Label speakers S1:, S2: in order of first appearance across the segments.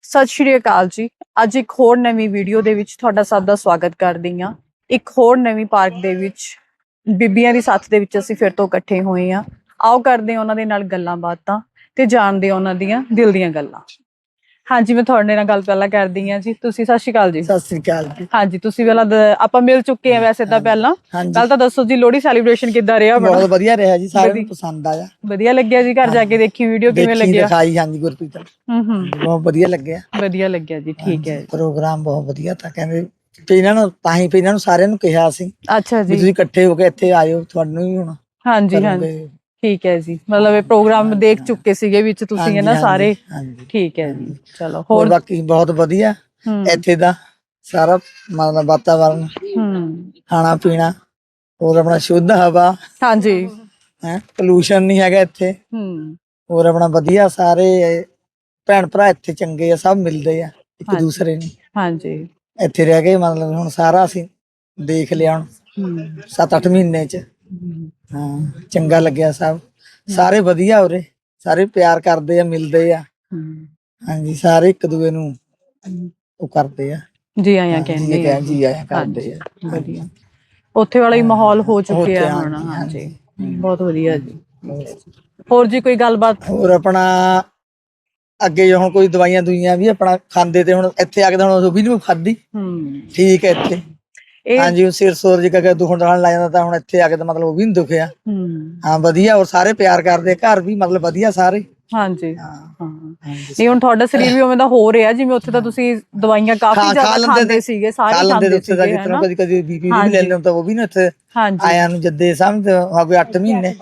S1: ਸਤਿ ਸ਼੍ਰੀ ਅਕਾਲ ਜੀ। ਅੱਜ ਇੱਕ ਹੋਰ ਨਵੀਂ ਵੀਡੀਓ ਦੇ ਵਿੱਚ ਤੁਹਾਡਾ ਸਭ ਦਾ ਸਵਾਗਤ ਕਰਦੀ ਹਾਂ। ਇੱਕ ਹੋਰ ਨਵੀਂ ਪਾਰਕ ਦੇ ਵਿੱਚ ਬੀਬੀਆਂ ਦੀ ਸਾਥ ਦੇ ਵਿੱਚ ਅਸੀਂ ਫਿਰ ਤੋਂ ਇਕੱਠੇ ਹੋਏ ਹਾਂ। ਆਓ ਕਰਦੇ ਹਾਂ ਉਹਨਾਂ ਦੇ ਨਾਲ ਗੱਲਾਂ ਬਾਤਾਂ ਤੇ ਜਾਣਦੇ ਹਾਂ ਉਹਨਾਂ ਦੀਆਂ ਦਿਲ ਦੀਆਂ ਗੱਲਾਂ। ਹਾਂਜੀ, ਮੈਂ ਤੁਹਾਡੇ ਨਾਲ ਗੱਲ ਪਹਿਲਾਂ ਕਰਦੀ ਹਾਂ ਜੀ। ਤੁਸੀਂ ਸਤਿ ਸ਼੍ਰੀ ਅਕਾਲ ਜੀ।
S2: ਸਤਿ ਸ੍ਰੀ ਅਕਾਲ ਜੀ।
S1: ਹਾਂਜੀ, ਤੁਸੀਂ ਪਹਿਲਾਂ ਆਪਾਂ ਮਿਲ ਚੁੱਕੇ ਹਾਂ ਵੈਸੇ ਤਾਂ ਪਹਿਲਾਂ। ਪਹਿਲਾਂ ਤਾਂ ਦੱਸੋ ਜੀ, ਲੋਹੜੀ ਸੈਲੀਬ੍ਰੇਸ਼ਨ ਕਿੱਦਾਂ ਰਿਹਾ?
S2: ਬਹੁਤ ਵਧੀਆ ਰਿਹਾ ਜੀ, ਸਾਰਿਆਂ ਨੂੰ ਪਸੰਦ ਆਇਆ।
S1: ਵਧੀਆ ਲੱਗਿਆ ਜੀ? ਘਰ ਜਾ ਕੇ ਦੇਖੀ ਵੀਡੀਓ, ਕਿਵੇਂ ਲੱਗਿਆ?
S2: ਦਿਖਾਈ ਹਾਂਜੀ ਗੁਰਪ੍ਰੀਤ। ਬਹੁਤ ਵਧੀਆ ਲੱਗਿਆ।
S1: ਵਧੀਆ ਲੱਗਿਆ ਜੀ, ਠੀਕ ਹੈ।
S2: ਪ੍ਰੋਗਰਾਮ ਬਹੁਤ ਵਧੀਆ ਤਾਂ ਕਹਿੰਦੇ ਇਹਨਾਂ ਨੂੰ ਤਾਂ ਹੀ ਇਹਨਾਂ ਨੂੰ ਸਾਰਿਆਂ ਨੂੰ ਕਿਹਾ ਸੀ।
S1: ਅੱਛਾ ਜੀ,
S2: ਤੁਸੀਂ ਇਕੱਠੇ ਹੋ ਕੇ ਇੱਥੇ ਆਇਓ, ਤੁਹਾਨੂੰ ਵੀ ਹੁਣ
S1: ਹਾਂਜੀ ਹਾਂਜੀ ਠੀਕ ਹੈ ਜੀ। ਮਤਲਬ ਇਹ ਪ੍ਰੋਗਰਾਮ ਦੇਖ ਚੁੱਕੇ ਸੀਗੇ ਵਿੱਚ ਤੁਸੀਂ, ਹੈ ਨਾ, ਸਾਰੇ? ਠੀਕ ਹੈ ਜੀ। ਚਲੋ, ਹੋਰ
S2: ਬਾਕੀ ਬਹੁਤ ਵਧੀਆ ਇੱਥੇ ਦਾ ਸਾਰਾ ਮਤਲਬ ਵਾਤਾਵਰਨ, ਖਾਣਾ ਪੀਣਾ, ਹੋਰ ਆਪਣਾ ਸ਼ੁੱਧ ਹਵਾ,
S1: ਹਾਂਜੀ
S2: ਹੈ, ਪੋਲੂਸ਼ਨ ਨਹੀਂ ਹੈਗਾ ਇੱਥੇ। ਹੋਰ ਆਪਣਾ ਵਧੀਆ, ਸਾਰੇ ਭੈਣ ਭਰਾ ਇੱਥੇ ਚੰਗੇ ਆ, ਸਭ ਮਿਲਦੇ ਆ ਇੱਕ ਦੂਸਰੇ ਨੂੰ।
S1: ਹਾਂਜੀ,
S2: ਇੱਥੇ ਰਹਿ ਕੇ ਮਤਲਬ ਹੁਣ ਸਾਰਾ ਅਸੀਂ ਦੇਖ ਲਿਆ ਹੁਣ 7-8 ਮਹੀਨੇ ਚ। ਹਾਂ, ਚੰਗਾ ਲੱਗਿਆ। ਸਭ ਸਾਰੇ ਵਧੀਆ, ਉਰੇ ਸਾਰੇ ਪਿਆਰ ਕਰਦੇ ਆ, ਮਿਲਦੇ ਆ। ਹਾਂਜੀ, ਸਾਰੇ ਇੱਕ ਦੂਏ ਨੂੰ ਉਹ ਕਰਦੇ ਆ,
S1: ਜੀ ਆਇਆਂ ਕਹਿੰਦੇ ਆ,
S2: ਜੀ ਆਇਆਂ ਕਰਦੇ ਆ।
S1: ਵਧੀਆ, ਉੱਥੇ ਵਾਲਾ ਹੀ ਮਾਹੌਲ ਹੋ ਚੁੱਕਿਆ ਹੁਣ। ਹਾਂਜੀ, ਬਹੁਤ ਵਧੀਆ ਜੀ। ਹੋਰ ਜੀ ਕੋਈ ਗੱਲਬਾਤ?
S2: ਹੋਰ ਆਪਣਾ ਅੱਗੇ ਹੁਣ ਕੋਈ ਦਵਾਈਆਂ ਦੁਈਆਂ ਵੀ ਆਪਣਾ ਖਾਂਦੇ ਤੇ ਹੁਣ ਇੱਥੇ ਆ ਕੇ ਤਾਂ ਹੁਣ ਉਹ ਵੀ ਨਹੀਂ ਖਾਧੀ। ਠੀਕ ਹੈ ਇੱਥੇ। ਹਾਂਜੀ, ਸਿਰ ਸੋਰ ਜੀ ਕਰਕੇ ਦੁਖਣ ਦਖਣ ਲੱਗ ਜਾਂਦਾ ਤਾਂ ਹੁਣ ਇੱਥੇ ਆ ਕੇ ਤਾਂ ਮਤਲਬ ਉਹ ਵੀ ਨੀ ਦੁਖਿਆ। ਹਾਂ, ਵਧੀਆ। ਔਰ ਸਾਰੇ ਪਿਆਰ ਕਰਦੇ, ਘਰ ਵੀ ਮਤਲਬ ਵਧੀਆ ਸਾਰੇ।
S1: ਹਾਂਜੀ ਹਾਂ, ਨਹੀਂ ਹੁਣ ਤੁਹਾਡਾ ਸਰੀਰ ਵੀ ਉਵੇਂ ਦਾ ਹੋ ਰਿਹਾ, ਜਿਵੇਂ ਉੱਥੇ ਤਾਂ ਤੁਸੀਂ ਦਵਾਈਆਂ ਕਾਫੀ ਜ਼ਿਆਦਾ ਖਾਂਦੇ ਸੀਗੇ, ਸਾਰੇ ਖਾਂਦੇ ਸੀਗੇ, ਹੈ ਨਾ?
S2: ਕਦੀ ਕਦੀ ਬੀਪੀ ਵੀ ਲੈ ਲੈਂਦਾ, ਉਹ ਵੀ ਨਾ ਇੱਥੇ ਆਇਆ ਨੂੰ ਜੱਦੇ ਸਮਝ ਹੋ ਗਏ 8 ਮਹੀਨੇ।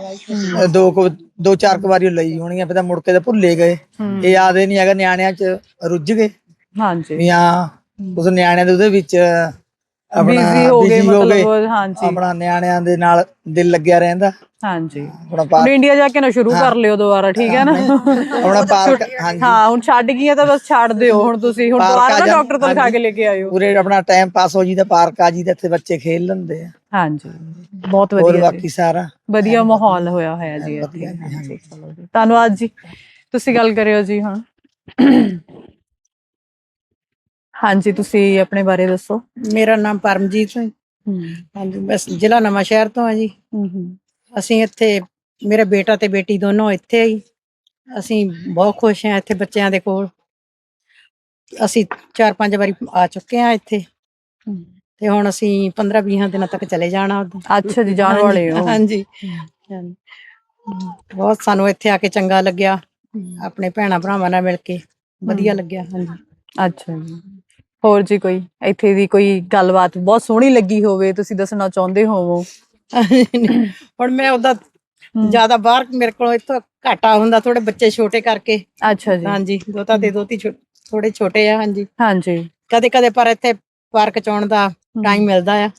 S2: 2-4 ਵਾਰੀ ਲਈ ਹੋਣੀ ਆ, ਫਿਰ ਤਾਂ ਮੁੜ ਕੇ ਤਾਂ ਭੁੱਲੇ ਗਏ। ਇਹ ਯਾਦ ਹੀ ਨਹੀਂ ਹੈਗਾ, ਨਿਆਣਿਆਂ ਚ ਰੁੱਝ ਗਏ ਵੀ। ਹਾਂ, ਉਸ ਨਿਆਣਿਆਂ ਦੇ ਉਹਦੇ ਵਿੱਚ ਆਪਣਾ ਬਿਜ਼ੀ ਹੋ ਗਏ। ਆਪਣਾ ਨਿਆਣਿਆਂ ਦੇ ਨਾਲ ਦਿਲ ਲੱਗਿਆ ਰਹਿੰਦਾ।
S1: ਹਾਂਜੀ, ਹੁਣ ਇੰਡੀਆ ਜਾ ਕੇ ਨਾ ਸ਼ੁਰੂ ਕਰ ਲਿਓ ਦੁਬਾਰਾ, ਠੀਕ ਹੈ ਨਾ?
S2: ਆਪਣਾ ਪਾਰਕ,
S1: ਹਾਂ, ਹੁਣ ਛੱਡ ਗਈਆਂ ਤਾਂ ਬਸ ਛੱਡ ਦਿਓ ਹੁਣ ਤੁਸੀਂ। ਹੁਣ ਦੁਬਾਰਾ ਨਾ ਡਾਕਟਰ ਤੋਂ ਲਿਖਾ ਕੇ ਲੈ ਕੇ ਆਇਓ।
S2: ਪੂਰੇ ਆਪਣਾ ਟਾਈਮ ਪਾਸ ਹੋ ਜੀ ਤਾਂ ਪਾਰਕ ਆ ਜੀ, ਇੱਥੇ ਬੱਚੇ ਖੇਲ ਲੈਂਦੇ ਆ।
S1: ਹਾਂਜੀ, ਬਹੁਤ ਵਧੀਆ।
S2: ਹੋਰ ਬਾਕੀ ਸਾਰਾ
S1: ਵਧੀਆ ਮਾਹੌਲ ਹੋਇਆ ਹੋਇਆ ਜੀ ਇੱਥੇ। ਹਾਂਜੀ, ਚਲੋ ਜੀ, ਧੰਨਵਾਦ ਜੀ। ਤੁਸੀਂ ਗੱਲ ਕਰਿਓ ਜੀ ਹੁਣ। ਹਾਂਜੀ, ਤੁਸੀਂ ਆਪਣੇ ਬਾਰੇ ਦੱਸੋ।
S3: ਮੇਰਾ ਨਾਮ ਪਰਮਜੀਤ ਹੈ। ਹਾਂਜੀ, ਬਸ ਜ਼ਿਲ੍ਹਾ ਨਵਾਂ ਸ਼ਹਿਰ ਤੋਂ ਆ ਜੀ। ਅਸੀਂ ਇੱਥੇ, ਮੇਰਾ ਬੇਟਾ ਤੇ ਬੇਟੀ ਦੋਨੋਂ ਇੱਥੇ ਹੀ। ਅਸੀਂ ਬਹੁਤ ਖੁਸ਼ ਹਾਂ ਇੱਥੇ ਬੱਚਿਆਂ ਦੇ ਕੋਲ। ਅਸੀਂ 4-5 ਵਾਰੀ ਆ ਚੁੱਕੇ ਹਾਂ ਇੱਥੇ, ਤੇ ਹੁਣ ਅਸੀਂ 15-20 ਦਿਨਾਂ ਤੱਕ ਚਲੇ ਜਾਣਾ ਉੱਧਰ।
S1: ਅੱਛਾ ਜੀ, ਜਾਣ ਵਾਲੇ ਹੋ?
S3: ਹਾਂਜੀ, ਬਹੁਤ ਸਾਨੂੰ ਇੱਥੇ ਆ ਕੇ ਚੰਗਾ ਲੱਗਿਆ, ਆਪਣੇ ਭੈਣਾਂ ਭਰਾਵਾਂ ਨਾਲ ਮਿਲ ਕੇ ਵਧੀਆ ਲੱਗਿਆ। ਹਾਂਜੀ,
S1: ਅੱਛਾ ਜੀ। ਹੋਰ ਜੀ ਕੋਈ ਇੱਥੇ ਦੀ ਕੋਈ ਗੱਲਬਾਤ ਬਹੁਤ ਸੋਹਣੀ ਲੱਗੀ ਹੋਵੇ, ਤੁਸੀਂ ਦੱਸਣਾ ਚਾਹੁੰਦੇ ਹੋਵੋ?
S3: ਹੁਣ ਮੈਂ ਉਹਦਾ ਜ਼ਿਆਦਾ ਬਾਹਰ ਮੇਰੇ ਕੋਲ ਇੱਥੋਂ ਘਾਟਾ ਹੁੰਦਾ, ਥੋੜੇ ਬੱਚੇ ਛੋਟੇ ਕਰਕੇ।
S1: ਅੱਛਾ ਜੀ।
S3: ਹਾਂਜੀ, ਦੋਤਾ ਤੇ ਦੋਤੀ ਥੋੜੇ ਛੋਟੇ ਆ। ਹਾਂਜੀ
S1: ਹਾਂਜੀ,
S3: ਕਦੇ ਕਦੇ ਪਰ ਇੱਥੇ ਪਾਰਕ ਚ ਆਉਣ ਦਾ ਟਾਈਮ ਮਿਲਦਾ ਆ।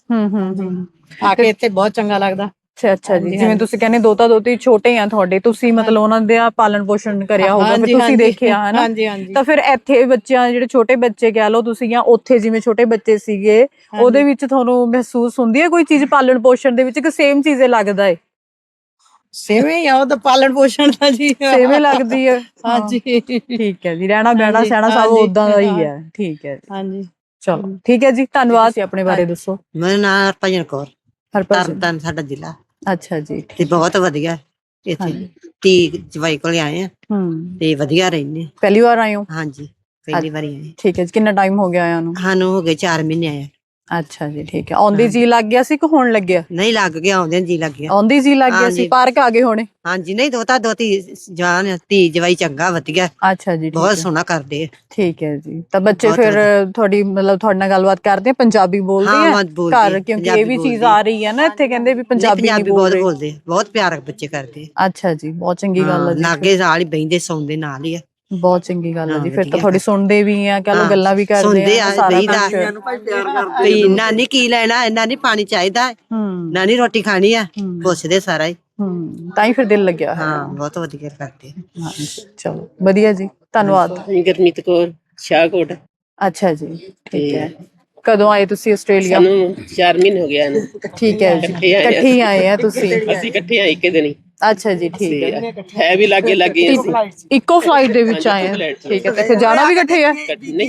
S3: ਆ ਕੇ ਇੱਥੇ ਬਹੁਤ ਚੰਗਾ ਲੱਗਦਾ।
S1: ਅੱਛਾ ਜੀ, ਜਿਵੇਂ ਤੁਸੀਂ ਕਹਿੰਦੇ ਦੋਤਾ ਦੋਤੀ ਛੋਟੇ ਆ ਤੁਹਾਡੇ, ਤੁਸੀਂ ਮਤਲਬ ਉਹਨਾਂ ਦਾ ਪਾਲਣ ਪੋਸ਼ਣ ਕਰਿਆ ਹੋਊਗਾ, ਫਿਰ ਤੁਸੀਂ ਦੇਖਿਆ, ਹਨਾ? ਤਾਂ ਫਿਰ ਇੱਥੇ ਬੱਚਿਆਂ, ਜਿਹੜੇ ਛੋਟੇ ਬੱਚੇ ਕਹਿ ਲਓ ਤੁਸੀਂ, ਜਾਂ ਉੱਥੇ ਜਿਵੇਂ ਛੋਟੇ ਬੱਚੇ ਸੀਗੇ, ਉਹਦੇ ਵਿੱਚ ਤੁਹਾਨੂੰ ਮਹਿਸੂਸ ਹੁੰਦੀ ਹੈ ਕੋਈ ਚੀਜ਼ ਪਾਲਣ ਪੋਸ਼ਣ ਦੇ ਵਿੱਚ, ਕਿ ਸੇਮ ਚੀਜ਼ ਲੱਗਦਾ ਹੈ?
S3: ਸੇਵੇਂ ਹੀ ਆ, ਉਹ ਤਾਂ ਪਾਲਣ ਪੋਸ਼ਣ ਦਾ ਜੀ
S1: ਸੇਵੇਂ ਲੱਗਦੀ ਹੈ।
S3: ਹਾਂਜੀ,
S1: ਠੀਕ ਹੈ ਜੀ। ਰਹਿਣਾ ਬਹਿਣਾ ਸਹਿਣਾ ਸਭ ਓਦਾਂ ਦਾ ਹੀ ਹੈ। ਠੀਕ ਹੈ,
S3: ਹਾਂਜੀ,
S1: ਚਲੋ ਠੀਕ ਹੈ ਜੀ, ਧੰਨਵਾਦ। ਆਪਣੇ ਬਾਰੇ ਦੱਸੋ।
S4: ਮੇਰਾ ਨਾਮ ਹਰਭਜਨ ਕੌਰ, ਤਰਨਤਾਰਨ ਸਾਡਾ ਜ਼ਿਲ੍ਹਾ।
S1: ਅੱਛਾ ਜੀ,
S4: ਤੇ ਬਹੁਤ ਵਧੀਆ ਇੱਥੇ ਧੀ ਜਵਾਈ ਕੋਲ ਆਏ ਆ ਤੇ ਵਧੀਆ ਰਹਿੰਦੇ।
S1: ਪਹਿਲੀ ਵਾਰ ਆਏ ਹੋ?
S4: ਹਾਂਜੀ, ਪਹਿਲੀ ਵਾਰੀ ਆਏ।
S1: ਠੀਕ ਹੈ ਜੀ। ਕਿੰਨਾ ਟਾਈਮ ਹੋ ਗਿਆ ਆਇਆ ਨੂੰ?
S4: ਸਾਨੂੰ ਹੋ ਗਏ 4 ਮਹੀਨੇ ਆਏ।
S1: ਅੱਛਾ ਜੀ, ਠੀਕ ਹੈ। ਆਉਂਦੀ ਜੀ ਲੱਗ ਗਿਆ ਸੀ ਕਿ ਹੁਣ ਲੱਗਿਆ?
S4: ਨਹੀਂ, ਲੱਗ ਗਿਆ, ਆਉਂਦੇ ਜੀ ਲੱਗ ਗਿਆ।
S1: ਆਉਂਦੀ ਜੀ ਲੱਗ ਗਿਆ ਸੀ, ਪਾਰਕ ਆ ਗਏ ਹੋਣੇ?
S4: ਹਾਂਜੀ, ਨਹੀਂ ਦੋਤਾ ਦੋਤੀ ਜਾਨ, ਧੀ ਜਵਾਈ ਚੰਗਾ ਵਧੀਆ।
S1: ਅੱਛਾ ਜੀ,
S4: ਬਹੁਤ ਸੋਹਣਾ ਕਰਦੇ ਆ।
S1: ਠੀਕ ਹੈ ਜੀ। ਤਾਂ ਬੱਚੇ ਫਿਰ ਤੁਹਾਡੀ ਮਤਲਬ ਤੁਹਾਡੇ ਨਾਲ ਗੱਲਬਾਤ ਕਰਦੇ ਆ, ਪੰਜਾਬੀ ਬੋਲਦੇ ਆ ਘਰ? ਕਿਉਂਕਿ ਇਹ ਵੀ ਚੀਜ਼ ਆ ਰਹੀ ਹੈ ਨਾ ਇੱਥੇ, ਕਹਿੰਦੇ ਵੀ ਪੰਜਾਬੀ ਨਹੀਂ
S4: ਬਹੁਤ ਬੋਲਦੇ, ਬਹੁਤ ਪਿਆਰ ਬੱਚੇ ਕਰਦੇ।
S1: ਅੱਛਾ ਜੀ, ਬਹੁਤ ਚੰਗੀ ਗੱਲ ਹੈ ਜੀ।
S4: ਲਾਗੇ ਨਾਲ ਹੀ ਬਹਿੰਦੇ, ਸੌਂਦੇ ਨਾਲ ਹੀ ਆ।
S1: ਬਹੁਤ ਚੰਗੀ ਗੱਲ ਹੈ ਜੀ। ਫਿਰ ਤਾਂ ਥੋੜੀ ਸੁਣਦੇ ਵੀ ਆ, ਕਹ ਲੋ ਗੱਲਾਂ ਵੀ ਕਰਦੇ ਆ, ਸਾਰਾ ਕੁਝ।
S4: ਨਾਨੀ ਕੀ ਲੈਣਾ, ਨਾਨੀ ਪਾਣੀ ਚਾਹੀਦਾ, ਨਾਨੀ ਰੋਟੀ ਖਾਣੀ ਆ, ਪੁੱਛਦੇ ਸਾਰਾ ਹੀ।
S1: ਤਾਂ ਹੀ ਫਿਰ ਦਿਲ ਲੱਗਿਆ।
S4: ਹਾਂ, ਬਹੁਤ ਵਧੀਆ ਕਰਦੇ।
S1: ਚਲੋ ਵਧੀਆ ਜੀ, ਧੰਨਵਾਦ।
S5: ਗੁਰਮੀਤ ਕੌਰ, ਸ਼ਾਹਕੋਟ।
S1: ਅੱਛਾ ਜੀ, ਠੀਕ ਹੈ। ਕਦੋਂ ਆਏ ਤੁਸੀਂ ਆਸਟ੍ਰੇਲੀਆ?
S5: ਸਾਨੂੰ 4 ਮਹੀਨੇ ਹੋ ਗਏ।
S1: ਠੀਕ ਹੈ ਜੀ, ਇਕੱਠੇ ਆਏ ਆ ਤੁਸੀਂ?
S5: ਅਸੀਂ ਇਕੱਠੇ ਆਏ ਇੱਕ ਦਿਨ ਹੀ।
S1: ਅੱਛਾ ਜੀ, ਠੀਕ ਹੈ।
S5: ਹੈ ਵੀ ਲਾਗੇ ਲਾਗੇ ਅਸੀਂ।
S1: ਇੱਕੋ ਫਲਾਈਟ ਦੇ ਵਿੱਚ ਆਏ ਆ, ਠੀਕ ਹੈ। ਤੇ ਫਿਰ ਜਾਣਾ ਵੀ ਇਕੱਠੇ ਆ?
S5: ਨਹੀਂ